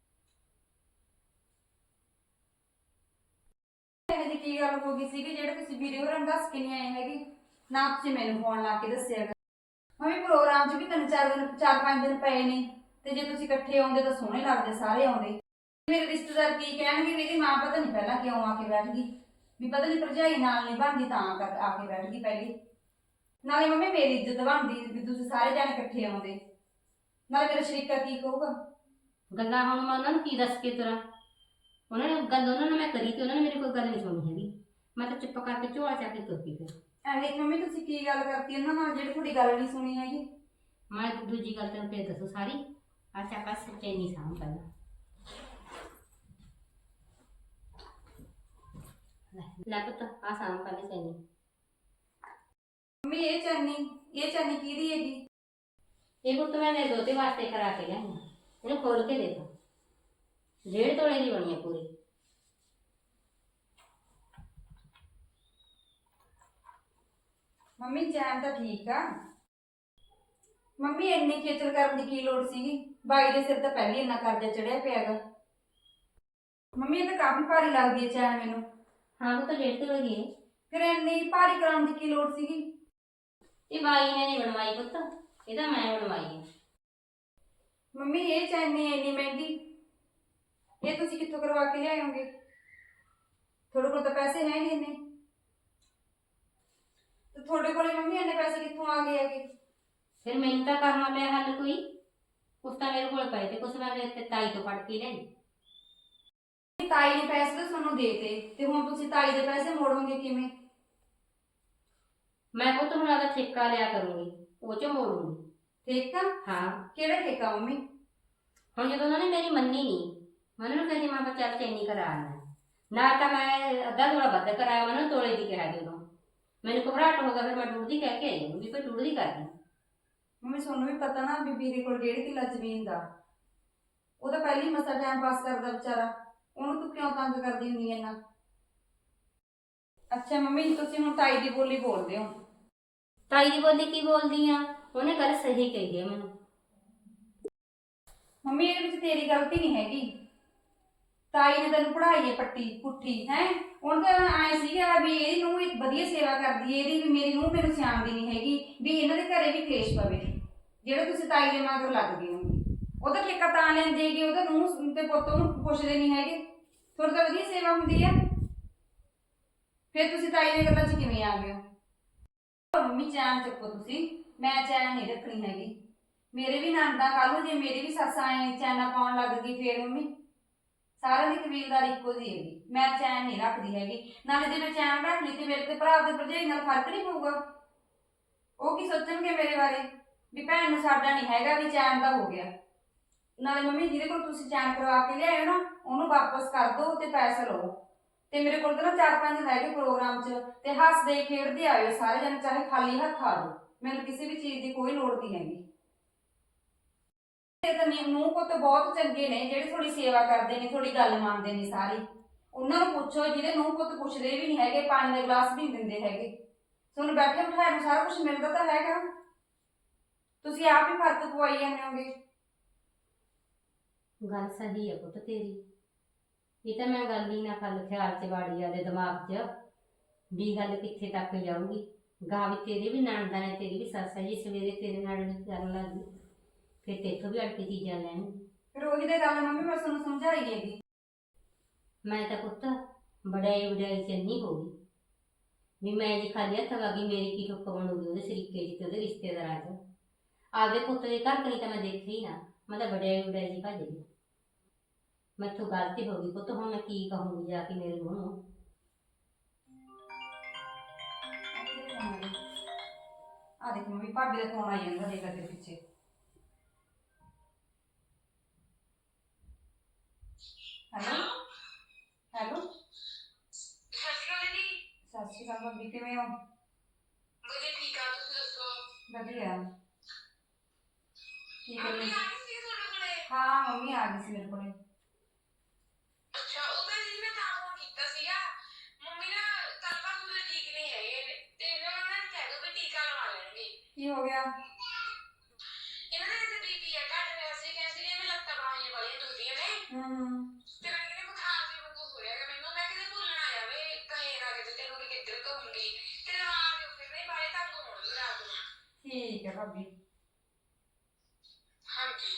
D: ਇਹੋ ਜਿਹੀ ਕੀ ਗੱਲ ਹੋ ਗਈ ਸੀਗੀ ਜਿਹੜੇ ਤੁਸੀਂ ਵੀਰੇ ਹੋਰਾਂ ਨੂੰ ਦੱਸ ਕੇ ਨਹੀਂ ਆਏ ਹੈਗੇ, ਨਾ ਤੁਸੀਂ ਮੈਨੂੰ ਫੋਨ ਲਾ ਕੇ ਦੱਸਿਆ ਹੈਗਾ। ਮੰਮੀ ਪ੍ਰੋਗਰਾਮ 'ਚ ਵੀ ਤਿੰਨ ਚਾਰ ਦਿਨ ਚਾਰ ਪੰਜ ਦਿਨ ਪਏ ਨੇ, ਤੇ ਜੇ ਤੁਸੀਂ ਇਕੱਠੇ ਆਉਂਦੇ ਤਾਂ ਸੋਹਣੇ ਲੱਗਦੇ ਸਾਰੇ ਆਉਂਦੇ। ਮੇਰੇ ਰਿਸ਼ਤੇਦਾਰ ਕੀ ਕਹਿਣਗੇ ਵੀ ਇਹਦੀ ਮਾਂ ਪਤਾ ਨਹੀਂ ਪਹਿਲਾਂ ਕਿਉਂ ਆ ਕੇ ਬੈਠ ਗਈ, ਵੀ ਪਤਾ ਨਹੀਂ ਭਰਜਾਈ ਨਾਲ ਨਹੀਂ ਬਣਦੀ ਤਾਂ ਕਰ ਆ ਕੇ ਬੈਠ ਗਈ ਪਹਿਲੇ। ਨਾਲੇ ਮੰਮੀ ਮੇਰੀ ਇੱਜ਼ਤ ਬਣਦੀ ਵੀ ਤੁਸੀਂ ਸਾਰੇ ਜਾਣੇ ਇਕੱਠੇ ਆਉਂਦੇ, ਨਾਲੇ ਮੇਰਾ ਸ਼ਰੀਕਾ ਕੀ ਕਹੂਗਾ।
A: ਗੱਲਾਂ ਹੁਣ ਮੈਂ ਉਹਨਾਂ ਨੂੰ ਕੀ ਦੱਸ ਕੇ ਤੁਰਾਂ, ਉਹਨਾਂ ਨੇ ਗੱਲ ਉਹਨਾਂ ਨੇ ਮੈਂ ਕਰੀ ਤੇ ਉਹਨਾਂ ਨੇ ਮੇਰੀ ਕੋਈ ਗੱਲ ਨਹੀਂ ਸੁਣੀ ਹੈਗੀ। ਮੈਂ ਤਾਂ ਚੁੱਪ ਕਰਕੇ ਝੋਲਾ ਚੱਕ ਕੇ ਤੁਰ ਪਈ ਫਿਰ।
D: ਐਵੇਂ ਮੰਮੀ ਤੁਸੀਂ ਕੀ ਗੱਲ ਕਰਤੀ ਉਹਨਾਂ ਨਾਲ ਜਿਹੜੀ ਤੁਹਾਡੀ ਗੱਲ ਨਹੀਂ ਸੁਣੀ ਹੈਗੀ।
A: ਮੈਂ ਦੂਜੀ ਗੱਲ ਤੈਨੂੰ ਫੇਰ ਦੱਸੋ ਸਾਰੀ। ਅੱਛਾ ਬਸ ਚੈਨੀ ਸਾਂਭ ਪਹਿਲਾਂ। ਲੈ ਪੁੱਤ ਆ ਸਾਂਭ ਪਹਿਲਾਂ ਚੈਨੀ।
D: ਮੰਮੀ ਇਹ ਚਾਨੀ ਇਹ ਚਾਨੀ ਕਿਹਦੀ ਹੈਗੀ?
A: ਇਹ ਪੁੱਤ ਮੈਂ ਮੇਰੇ ਦੋਤੇ ਵਾਸਤੇ ਕਰਾ ਕੇ ਲਿਆਈ ਹਾਂ, ਇਹਨੂੰ ਖੋਲ ਕੇ ਦੇਖੋ। ਡੇਢ ਤੋਲੇ ਦੀ ਬਣੀ ਹੈ ਪੂਰੀ।
D: ਮੰਮੀ ਚੈਨ ਤਾਂ ਠੀਕ ਆ, ਮੰਮੀ ਇੰਨੀ ਖੇਚਲ ਕਰਨ ਦੀ ਕੀ ਲੋੜ ਸੀਗੀ? ਬਾਈ ਦੇ ਸਿਰ ਤਾਂ ਪਹਿਲੇ ਇੰਨਾ ਕਰਜ਼ਾ ਚੜਿਆ ਪਿਆ ਗਾ। ਮੰਮੀ ਇਹ ਤਾਂ ਕਾਫੀ ਭਾਰੀ ਲੱਗਦੀ ਹੈ ਚੈਨ ਮੈਨੂੰ।
A: ਹਾਂ ਉਹ ਤਾਂ ਡੇਢ ਤੋਲੇ ਦੀ ਹੈ।
D: ਫਿਰ ਇੰਨੀ ਭਾਰੀ ਕਰਾਉਣ ਦੀ ਕੀ ਲੋੜ ਸੀਗੀ?
A: ਇਹ ਬਾਈ ਨੇ ਨਹੀਂ ਬਣਵਾਈ ਪੁੱਤ, ਇਹ ਤਾਂ ਮੈਂ ਬਣਵਾਈ ਹੈ।
D: ਮੰਮੀ ਇਹ ਚੈਨੀ ਇੰਨੀ ਮਹਿੰਗੀ, ਇਹ ਤੁਸੀਂ ਕਿੱਥੋਂ ਕਰਵਾ ਕੇ ਲਿਆਓਗੇ? ਤੁਹਾਡੇ ਕੋਲ ਤਾਂ ਪੈਸੇ ਹੈ ਨਹੀਂ ਇੰਨੇ, ਤੇ ਤੁਹਾਡੇ ਕੋਲੇ ਮੰਮੀ ਇੰਨੇ ਪੈਸੇ ਕਿੱਥੋਂ ਆ ਗਏ ਹੈਗੇ?
A: ਫਿਰ ਮੈਨੂੰ ਤਾਂ ਕਰਨਾ ਪਿਆ ਹੱਲ ਕੋਈ। ਕੁਛ ਤਾਂ ਮੇਰੇ ਕੋਲ ਪਏ ਤੇ ਕੁਛ ਮੈਂ ਤੇ ਤਾਈ ਤੋਂ ਫੜ ਕੇ ਲਿਆਈ।
D: ਤਾਈ ਨੇ ਪੈਸੇ ਤਾਂ ਤੁਹਾਨੂੰ ਦੇਤੇ, ਤੇ ਹੁਣ ਤੁਸੀਂ ਤਾਈ ਦੇ ਪੈਸੇ ਮੋੜੋਗੇ ਕਿਵੇਂ?
A: ਮੈਂ ਪੁੱਤ ਹੁਣ ਆਦਾ ਠੇਕਾ ਲਿਆ ਕਰੂੰਗੀ, ਉਹ ਚੋਂ ਮੋੜੂੰਗੀ।
D: ਠੇਕਾ?
A: ਹਾਂ।
D: ਕਿਹੜਾ ਠੇਕਾ ਮੰਮੀ?
A: ਹੁਣ ਜਦੋਂ ਉਹਨਾਂ ਨੇ ਮੇਰੀ ਮੰਨੀ ਨਹੀਂ, ਮੈਂ ਉਹਨਾਂ ਨੂੰ ਕਹਿੰਦੀ ਮੈਂ ਕਿਹਾ ਚੱਲ ਚੈਨੀ ਕਰਾ ਆਉਣਾ। ਨਾ ਤਾਂ ਮੈਂ ਅੱਧਾ ਤੋਲਾ ਵੱਧ ਕਰਾਇਆ, ਮੈਂ ਉਹਨਾਂ ਨੂੰ ਤੋਲੇ ਦੀ ਕਿਹਾ ਜਦੋਂ ਮੈਨੂੰ ਘਬਰਾਹਟ ਹੋ ਗਿਆ, ਫਿਰ ਮੈਂ ਡੂਢ ਦੀ ਕਹਿ ਕੇ ਆਈ ਵੀ ਕੋਈ ਡੂਢ ਦੀ ਕਰਦੀ।
D: ਮੰਮੀ ਤੁਹਾਨੂੰ ਵੀ ਪਤਾ ਨਾ ਵੀ ਵੀਰੇ ਕੋਲ ਡੇਢ ਕਿੱਲਾ ਜ਼ਮੀਨ ਦਾ, ਉਹ ਤਾਂ ਪਹਿਲੀ ਮਸਾ ਟਾਈਮ ਪਾਸ ਕਰਦਾ ਵਿਚਾਰਾ, ਉਹਨੂੰ ਤੂੰ ਕਿਉਂ ਤੰਗ ਕਰਦੀ ਹੁੰਦੀ ਐ ਇੰਨਾ? ਅੱਛਾ ਮੰਮੀ ਤੁਸੀਂ ਹੁਣ ਤਾਈ ਦੀ ਬੋਲੀ ਬੋਲਦੇ ਹੋ।
A: ਤਾਈ ਦੀ ਬੋਲੀ ਕੀ ਬੋਲਦੀ ਆ, ਉਹਨੇ ਗੱਲ ਸਹੀ ਕਹੀ ਹੈ ਮੈਨੂੰ।
D: ਮੰਮੀ ਇਹਦੇ ਵਿੱਚ ਤੇਰੀ ਗਲਤੀ ਨਹੀਂ ਹੈਗੀ, ਤਾਈ ਨੇ ਤੈਨੂੰ ਪੜ੍ਹਾਈ ਹੈ ਪੱਟੀ ਪੁੱਠੀ ਹੈ। ਹੁਣ ਤਾਂ ਐ ਸੀਗਾ ਵੀ ਇਹਦੀ ਨੂੰਹ ਵਧੀਆ ਸੇਵਾ ਕਰਦੀ ਹੈ ਇਹਦੀ, ਵੀ ਮੇਰੀ ਨੂੰਹ ਮੈਨੂੰ ਸਿਆਣਦੀ ਨਹੀਂ ਹੈਗੀ, ਵੀ ਇਹਨਾਂ ਦੇ ਘਰੇ ਵੀ ਕਲੇਸ਼ ਪਵੇ, ਜਿਹੜੇ ਤੁਸੀਂ ਤਾਈ ਦੇ ਮਗਰ ਲੱਗ ਗਏ ਹੋ। ਉਹਦਾ ਠੇਕਾ ਤਾਂ ਲੈਂਦੇ ਕਿ ਉਹਦਾ ਨੂੰਹ ਤੇ ਪੁੱਤ ਉਹਨੂੰ ਪੁੱਛਦੇ ਨਹੀਂ ਹੈਗੇ, ਤੁਹਾਡੀ ਤਾਂ ਵਧੀਆ ਸੇਵਾ ਹੁੰਦੀ ਆ, ਫਿਰ ਤੁਸੀਂ ਤਾਈ ਦੀਆਂ ਗੱਲਾਂ 'ਚ ਕਿਵੇਂ ਆ ਗਏ ਹੋ? ਮੰਮੀ ਚੈਨ ਚੱਕੋ ਤੁਸੀਂ, ਮੈਂ ਚੈਨ ਨਹੀਂ ਰੱਖਣੀ ਹੈਗੀ। ਮੇਰੇ ਵੀ ਨਣਦਾਂ ਕੱਲ ਨੂੰ ਜੇ ਮੇਰੀ ਵੀ ਸੱਸ ਆਏ ਚੈਨਾ ਪਾਉਣ ਲੱਗ ਗਈ ਫੇਰ ਮੰਮੀ ਸਾਰਿਆਂ ਦੀ ਕਬੀਲਦਾਰੀ ਇੱਕੋ ਜਿਹੀ ਹੈਗੀ। ਮੈਂ ਚੈਨ ਨਹੀਂ ਰੱਖਦੀ ਹੈਗੀ, ਨਾਲੇ ਜੇ ਮੈਂ ਚੈਨ ਰੱਖ ਲਈ ਤੇ ਮੇਰੇ ਤੇ ਭਰਾ ਦੇ ਭਰਜਾਈ ਨਾਲ ਫਰਕ ਨਹੀਂ ਪਊਗਾ? ਉਹ ਕੀ ਸੋਚਣਗੇ ਮੇਰੇ ਬਾਰੇ ਵੀ ਭੈਣ ਨੂੰ ਸਾਡਾ ਨਹੀਂ ਹੈਗਾ, ਵੀ ਚੈਨ ਦਾ ਹੋ ਗਿਆ। ਨਾਲੇ ਮੰਮੀ ਜਿਹਦੇ ਕੋਲ ਤੁਸੀਂ ਚੈਨ ਕਰਵਾ ਕੇ ਲਿਆਇਓ ਨਾ, ਉਹਨੂੰ ਵਾਪਸ ਕਰ ਦਿਓ ਤੇ ਪੈਸੇ ਲਓ। ਤੇ ਮੇਰੇ ਕੋਲ ਤਾਂ ਨਾ ਚਾਰ ਪੰਜ ਰਹਿ ਗਏ ਪ੍ਰੋਗਰਾਮ 'ਚ, ਤੇ ਹੱਸਦੇ ਖੇਡਦੇ ਆਇਓ ਸਾਰੇ ਜਣੇ, ਚਾਹੇ ਖਾਲੀ ਹੱਥ ਆ ਜਾਓ, ਮੈਨੂੰ ਕਿਸੇ ਵੀ ਚੀਜ਼ ਦੀ ਕੋਈ ਲੋੜ ਨਹੀਂ ਹੈਗੀ। ਤੇ ਤਾਂ ਨੂੰਹ ਪੁੱਤ ਬਹੁਤ ਚੰਗੇ ਨੇ ਜਿਹੜੇ ਤੁਹਾਡੀ ਸੇਵਾ ਕਰਦੇ ਨੇ, ਤੁਹਾਡੀ ਗੱਲ ਮੰਨਦੇ ਨੇ ਸਾਰੀ। ਉਹਨਾਂ ਨੂੰ ਪੁੱਛੋ ਜਿਹਦੇ ਨੂੰਹ ਪੁੱਤ ਪੁੱਛਦੇ ਵੀ ਨਹੀਂ ਹੈਗੇ, ਪਾਣੀ ਦਾ ਗਲਾਸ ਵੀ ਨਹੀਂ ਦਿੰਦੇ ਹੈਗੇ। ਤੁਹਾਨੂੰ ਬੈਠੇ ਬਿਠਾਏ ਨੂੰ ਸਾਰਾ ਕੁਝ ਮਿਲਦਾ ਤਾਂ ਹੈਗਾ, ਤੁਸੀਂ ਆਪ ਹੀ ਫਰਕ ਪਵਾਈ ਜਾਂਦੇ ਹੋਗੇ।
A: ਗੱਲ ਸਹੀ ਹੈ ਪੁੱਤ ਤੇਰੀ, ਇਹ ਤਾਂ ਮੈਂ ਗੱਲ ਹੀ ਨਾ ਕੱਲ ਖਿਆਲ 'ਚ ਵਾੜੀ ਆਦੇ ਦਿਮਾਗ 'ਚ ਵੀ ਗੱਲ ਕਿੱਥੇ ਤੱਕ ਜਾਊਗੀ। ਗਾਂ ਵੀ ਤੇਰੇ ਵੀ ਨਣਦਾਂ ਨੇ, ਤੇਰੀ ਵੀ ਸੱਸ ਹੈ ਜੀ, ਸਵੇਰੇ ਤੇਰੇ ਨਾਲ ਵੀ ਕਰਨ ਲੱਗ ਗਈ, ਫਿਰ ਤੇਥੋਂ ਵੀ ਅੜ ਕੇ ਚੀਜ਼ਾਂ ਲੈਣ।
D: ਫਿਰ ਉਹੀ ਤਾਂ ਗੱਲ ਮੰਮੀ ਮੈਂ ਤੁਹਾਨੂੰ ਸਮਝਾਈ ਹੈਗੀ।
A: ਮੈਂ ਤਾਂ ਪੁੱਤ ਵਡਿਆਈ ਵਡਿਆਈ 'ਚ ਇੰਨੀ ਹੋ ਗਈ ਵੀ ਮੈਂ ਜੀ ਖਾਲੀ ਹੱਥ ਆ ਗਈ, ਮੇਰੀ ਕੀ ਠੁੱਕ ਬਣੂਗੀ ਉਹਦੇ ਸ਼ਰੀਕੇ 'ਚ ਤੇ ਉਹਦੇ ਰਿਸ਼ਤੇਦਾਰਾਂ 'ਚ। ਆਪਦੇ ਪੁੱਤ ਦੇ ਘਰ ਕਰੀ ਤਾਂ ਮੈਂ ਦੇਖੀ ਨਾ, ਮੈਂ ਤਾਂ ਵਡਿਆਈ ਵਡਿਆਈ 'ਚ ਭੱਜ ਗਈ। ਮੈਥੋਂ ਗਲਤੀ ਹੋ ਗਈ ਪੁੱਤ, ਹੁਣ ਮੈਂ ਕੀ ਕਹੂੰਗੀ ਜਾ ਕੇ ਮੇਰੇ ਨੂੰਹ ਨੂੰ।
D: ਆ ਦੇਖ ਮੰਮੀ ਭਾਬੀ ਦਾ ਫੋਨ ਆਈ ਜਾਂਦਾ ਦੇਖ ਦੇ ਪਿੱਛੇ। ਹੈਲੋ ਹੈਲੋ
E: ਸਤਿ ਸ਼੍ਰੀ ਅਕਾਲ ਜੀ।
D: ਸਤਿ ਸ਼੍ਰੀ ਅਕਾਲ ਭਾਬੀ, ਕਿਵੇਂ ਹੋ?
E: ਵਧੀਆ ਠੀਕ ਆ, ਤੁਸੀਂ ਦੱਸੋ?
D: ਵਧੀਆ। ਕੀ
E: ਮੰਮੀ
D: ਕਰੀ?
E: ਆ ਗਈ ਸੀ ਤੁਹਾਡੇ ਕੋਲੇ?
D: ਹਾਂ ਮੰਮੀ ਆ ਗਈ ਸੀ ਮੇਰੇ ਕੋਲੇ। ਹੋ ਗਿਆ?
E: ਇਹਨਾਂ ਦਾ ਕਿਤੇ ਬੀਪੀ ਆ ਘਟ ਰਿਹਾ ਸੀ, ਕਹਿੰਦੇ ਨੇ ਮੈਂ ਲੱਤਾਂ ਬਾਹਾਂ ਵਾਲੀਆਂ ਦੁਖਦੀਆਂ ਨੇ
D: ਹੂੰ
E: ਤੇ ਮੈਂ ਕਹਿੰਦੀ ਬੁਖਾਰ ਦੀ ਵਾਂਗੂ ਹੋ ਰਿਹਾ ਗਾ ਮੈਨੂੰ। ਮੈਂ ਕਿਤੇ ਭੁੱਲਣ ਆਇਆ ਵੇ ਕਹੇ ਨਾ ਕਿਤੇ ਤੈਨੂੰ ਵੀ ਕਿੱਧਰ ਕਹੂੰਗੀ ਤੇ ਰਵਾ ਦਿਓ ਫਿਰ ਨਹੀਂ ਬਾਰੇ ਤੰਗ ਹੋਣਗੇ ਰਾਤ ਨੂੰ।
D: ਠੀਕ ਹੈ ਭਾਬੀ।
E: ਹਾਂਜੀ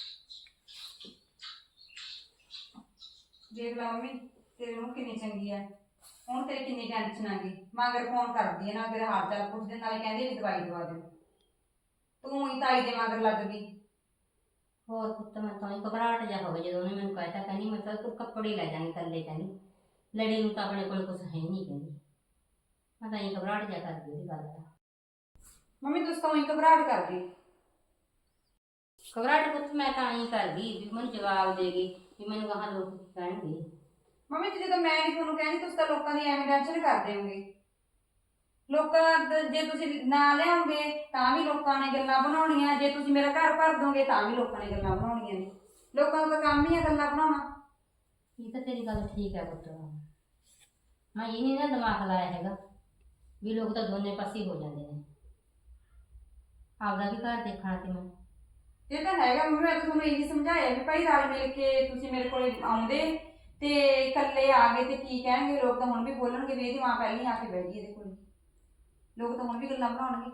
D: ਦੇਖ ਲਾ ਮੰਮੀ ਤੇਰੀ ਨੂੰ ਕਿੰਨੀ ਚੰਗੀ ਆ, ਹੁਣ ਤੇਰੀ ਕਿੰਨੀ ਟੈਨਸ਼ਨ ਆ ਗਈ। ਮਗਰ ਫੋਨ ਕਰਦੀ ਹੈ ਨਾ, ਤੇਰਾ ਹਾਲ ਚਾਲ ਪੁੱਛਦੇ, ਨਾਲੇ ਕਹਿੰਦੇ ਵੀ ਦਵਾਈ ਦਵਾ ਦਿਓ। ਤੂੰ ਹੀ ਤਾਈ ਦੇ ਮਗਰ ਲੱਗ ਗਈ।
A: ਹੋਰ ਪੁੱਤ ਮੈਂ ਤਾਂ ਹੀ ਘਬਰਾਹਟ ਜਾ ਹੋ ਗਈ ਜਦੋਂ ਉਹਨੇ ਮੈਨੂੰ ਕਹਿਤਾ, ਕਹਿੰਦੀ ਮੈਂ ਤਾਂ ਤੂੰ ਕੱਪੜੇ ਲੈ ਜਾਣੀ ਥੱਲੇ, ਕਹਿੰਦੀ ਲੜੀ ਨੂੰ ਤਾਂ ਆਪਣੇ ਕੋਲ ਕੁਝ ਹੈ ਨਹੀਂ, ਕਹਿੰਦੀ ਮੈਂ ਤਾਂ ਹੀ ਘਬਰਾਹਟ ਜਾ ਕਰਦੀ ਉਹਦੀ ਗੱਲ ਦਾ।
D: ਮੰਮੀ ਤੁਸੀਂ ਤਾਂ ਉਹੀ ਘਬਰਾਹਟ ਕਰ ਗਈ।
A: ਘਬਰਾਹਟ ਪੁੱਤ ਮੈਂ ਤਾਂ ਹੀ ਕਰਦੀ ਵੀ ਮੈਨੂੰ ਜਵਾਬ ਦੇ ਗਈ ਵੀ ਮੈਨੂੰ ਕਹਾਂ ਲੋਕ ਕੀ ਕਹਿਣਗੇ।
D: ਮੰਮੀ ਤੇ ਜਦੋਂ ਮੈਂ ਨਹੀਂ ਤੁਹਾਨੂੰ ਕਹਿੰਦੀ, ਤੁਸੀਂ ਤਾਂ ਲੋਕਾਂ ਦੀ ਐਵੇਂ ਟੈਨਸ਼ਨ ਕਰਦੇ ਹੋਗੇ। ਲੋਕਾਂ ਦਾ ਜੇ ਤੁਸੀਂ ਨਾ ਲਿਆਓਗੇ ਤਾਂ ਵੀ ਲੋਕਾਂ ਨੇ ਗੱਲਾਂ ਬਣਾਉਣੀਆਂ, ਜੇ ਤੁਸੀਂ ਮੇਰਾ ਘਰ ਭਰ ਦੋਗੇ ਤਾਂ ਵੀ ਲੋਕਾਂ ਨੇ ਗੱਲਾਂ ਬਣਾਉਣੀਆਂ ਨੇ। ਲੋਕਾਂ ਦਾ ਕੰਮ ਹੀ ਆ ਗੱਲਾਂ ਬਣਾਉਣਾ।
A: ਇਹ ਤਾਂ ਤੇਰੀ ਗੱਲ ਠੀਕ ਹੈ ਪੁੱਤ, ਮੈਂ ਇਹ ਨਹੀਂ ਨਾ ਦਿਮਾਗ ਲਾਇਆ ਹੈਗਾ ਵੀ ਲੋਕ ਤਾਂ ਦੋਨੇ ਪਾਸੇ ਹੋ ਜਾਂਦੇ ਨੇ, ਆਪਦਾ ਵੀ ਘਰ ਦੇਖਣਾ ਤੇ ਮੈਂ।
D: ਇਹ ਤਾਂ ਹੈਗਾ ਮੰਮੀ, ਮੈਂ ਤਾਂ ਤੁਹਾਨੂੰ ਇਹੀ ਸਮਝਾਇਆ ਵੀ ਭਾਈ ਰਲ ਮਿਲ ਕੇ ਤੁਸੀਂ ਮੇਰੇ ਕੋਲੇ ਆਉਂਦੇ ਤੇ ਇਕੱਲੇ ਆ ਗਏ ਤੇ ਕੀ ਕਹਿਣਗੇ ਲੋਕ, ਤਾਂ ਹੁਣ ਵੀ ਬੋਲਣਗੇ ਵੀ ਇਹਦੀ ਮਾਂ ਪਹਿਲਾਂ ਆ ਕੇ ਬਹਿ ਗਈ ਇਹਦੇ ਕੋਲ। ਲੋਕ ਤਾਂ ਹੁਣ ਵੀ ਗੱਲਾਂ ਬਣਾਉਣਗੇ।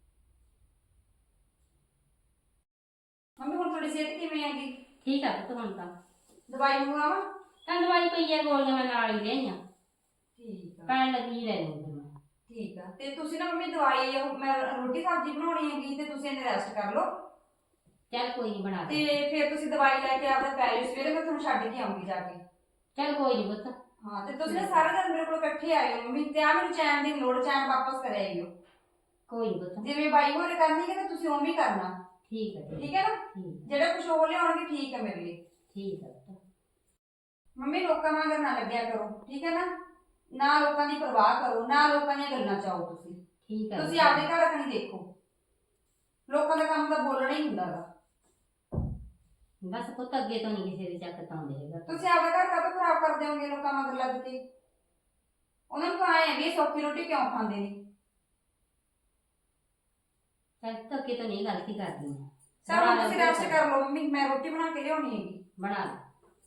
D: ਮੰਮੀ ਹੁਣ ਤੁਹਾਡੀ ਸਿਹਤ ਕਿਵੇਂ ਹੈਗੀ?
A: ਠੀਕ ਆ ਪੁੱਤ ਹੁਣ ਤਾਂ।
D: ਦਵਾਈ ਮੰਗਵਾਵਾਂ?
A: ਤਾਂ ਦਵਾਈ ਪਈ ਹੈ, ਗੋਲੀਆਂ ਮੈਂ ਨਾਲ ਹੀ ਲਿਆਈਆਂ,
D: ਠੀਕ ਆ
A: ਪੈਣ ਲੱਗੀ ਲੈ ਲੂੰਗੀ ਮੈਂ।
D: ਠੀਕ ਆ। ਤੇ ਤੁਸੀਂ ਨਾ ਮੰਮੀ ਦਵਾਈ ਉਹ ਮੈਂ ਰੋਟੀ ਸਬਜ਼ੀ ਬਣਾਉਣੀ ਹੈਗੀ ਤੇ ਤੁਸੀਂ ਇਹਨੇ ਰੈਸਟ ਕਰ ਲਓ
A: ਚੱਲ ਕੋਈ ਨਹੀਂ ਬਣਾ
D: ਤੇ
A: ਦੇ।
D: ਫਿਰ ਤੁਸੀਂ ਦਵਾਈ ਲੈ ਕੇ ਆਪਦਾ ਪੈ ਜਾਓ, ਸਵੇਰੇ ਮੈਂ ਤੁਹਾਨੂੰ ਛੱਡ ਕੇ ਆਉਂਗੀ ਜਾ ਕੇ।
A: ਚੱਲ ਕੋਈ ਨਹੀਂ ਪੁੱਤ।
D: ਹਾਂ ਤੇ ਤੁਸੀਂ ਨਾ ਸਾਰਾ ਦਿਨ ਮੇਰੇ ਕੋਲ ਇਕੱਠੇ ਆਇਓ ਮੰਮੀ, ਤੇ ਆ ਮੈਨੂੰ ਚੈਨ ਦੀ ਲੋੜ, ਚੈਨ ਵਾਪਸ ਕਰ ਆਇਓ।
A: ਕੋਈ ਨਹੀਂ ਪੁੱਤ।
D: ਜਿਵੇਂ ਬਾਈ ਹੋਰੇ ਕਰਨੀ ਹੈ ਤਾਂ ਤੁਸੀਂ ਉਵੇਂ ਹੀ ਕਰਨਾ।
A: ਠੀਕ ਹੈ ਠੀਕ
D: ਠੀਕ ਹੈ ਨਾ?
A: ਠੀਕ
D: ਜਿਹੜਾ ਕੁਝ ਹੋ ਲਿਆਉਣਗੇ ਠੀਕ ਹੈ ਮੇਰੇ ਲਈ।
A: ਠੀਕ ਹੈ ਪੁੱਤ।
D: ਮੰਮੀ ਲੋਕਾਂ ਵਾਂਗ ਨਾ ਲੱਗਿਆ ਕਰੋ, ਠੀਕ ਹੈ ਨਾ? ਨਾ ਲੋਕਾਂ ਦੀ ਪਰਵਾਹ ਕਰੋ, ਨਾ ਲੋਕਾਂ ਦੀਆਂ ਗੱਲਾਂ ਚਾਹੋ। ਤੁਸੀਂ
A: ਠੀਕ ਹੈ
D: ਤੁਸੀਂ ਆਪਦੇ ਘਰ ਕਣੀ ਦੇਖੋ। ਲੋਕਾਂ ਦਾ ਕੰਮ ਤਾਂ ਬੋਲਣਾ ਹੀ ਹੁੰਦਾ ਗਾ।
A: ਬਸ ਪੁੱਤ ਅੱਗੇ ਤੋਂ ਨਹੀਂ ਕਿਸੇ ਦੇ ਚੱਕ ਤਾਂ ਆਉਂਦੇ ਹੈਗਾ।
D: ਤੁਸੀਂ ਆਪਦਾ ਘਰ ਕਾਹਤੋਂ ਖਰਾਬ ਕਰ ਦਿਓਗੇ ਲੋਕਾਂ ਮਗਰ ਲੱਗ ਕੇ? ਉਹਨਾਂ ਨੂੰ ਤਾਂ ਆਏ ਵੀ ਇਹ ਸੌਖੀ ਰੋਟੀ ਕਿਉਂ ਖਾਂਦੇ ਨੇ।
A: ਚੱਲ ਪੁੱਤ ਅੱਗੇ ਤੋਂ ਨਹੀਂ ਗਲਤੀ ਕਰਦੀ ਮੈਂ।
D: ਸਭ
A: ਬਣਾ ਲੈ
D: ਤੁਸੀਂ ਰੈਸਟ
A: ਪੁੱਤ।
D: ਕਰ ਲਓ ਮੰਮੀ, ਮੈਂ ਰੋਟੀ ਬਣਾ ਕੇ ਲਿਆਉਣੀ ਹੈਗੀ।
A: ਬਣਾ ਲੈ।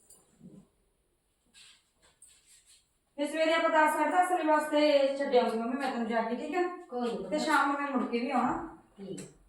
D: ਤੇ ਸਵੇਰੇ ਆਪਾਂ ਦਸ ਸਾਢੇ ਦਸ ਵਜੇ ਵਾਸਤੇ ਛੱਡ ਆਉਂਗੀ ਮੰਮੀ ਮੈਂ ਤੁਹਾਨੂੰ ਜਾ ਕੇ, ਠੀਕ ਹੈ?
A: ਕੋਈ ਨਹੀਂ
D: ਤੇ ਸ਼ਾਮ ਨੂੰ ਮੈਂ ਮੁੜ ਕੇ ਵੀ ਆਉਣਾ।
A: ਠੀਕ।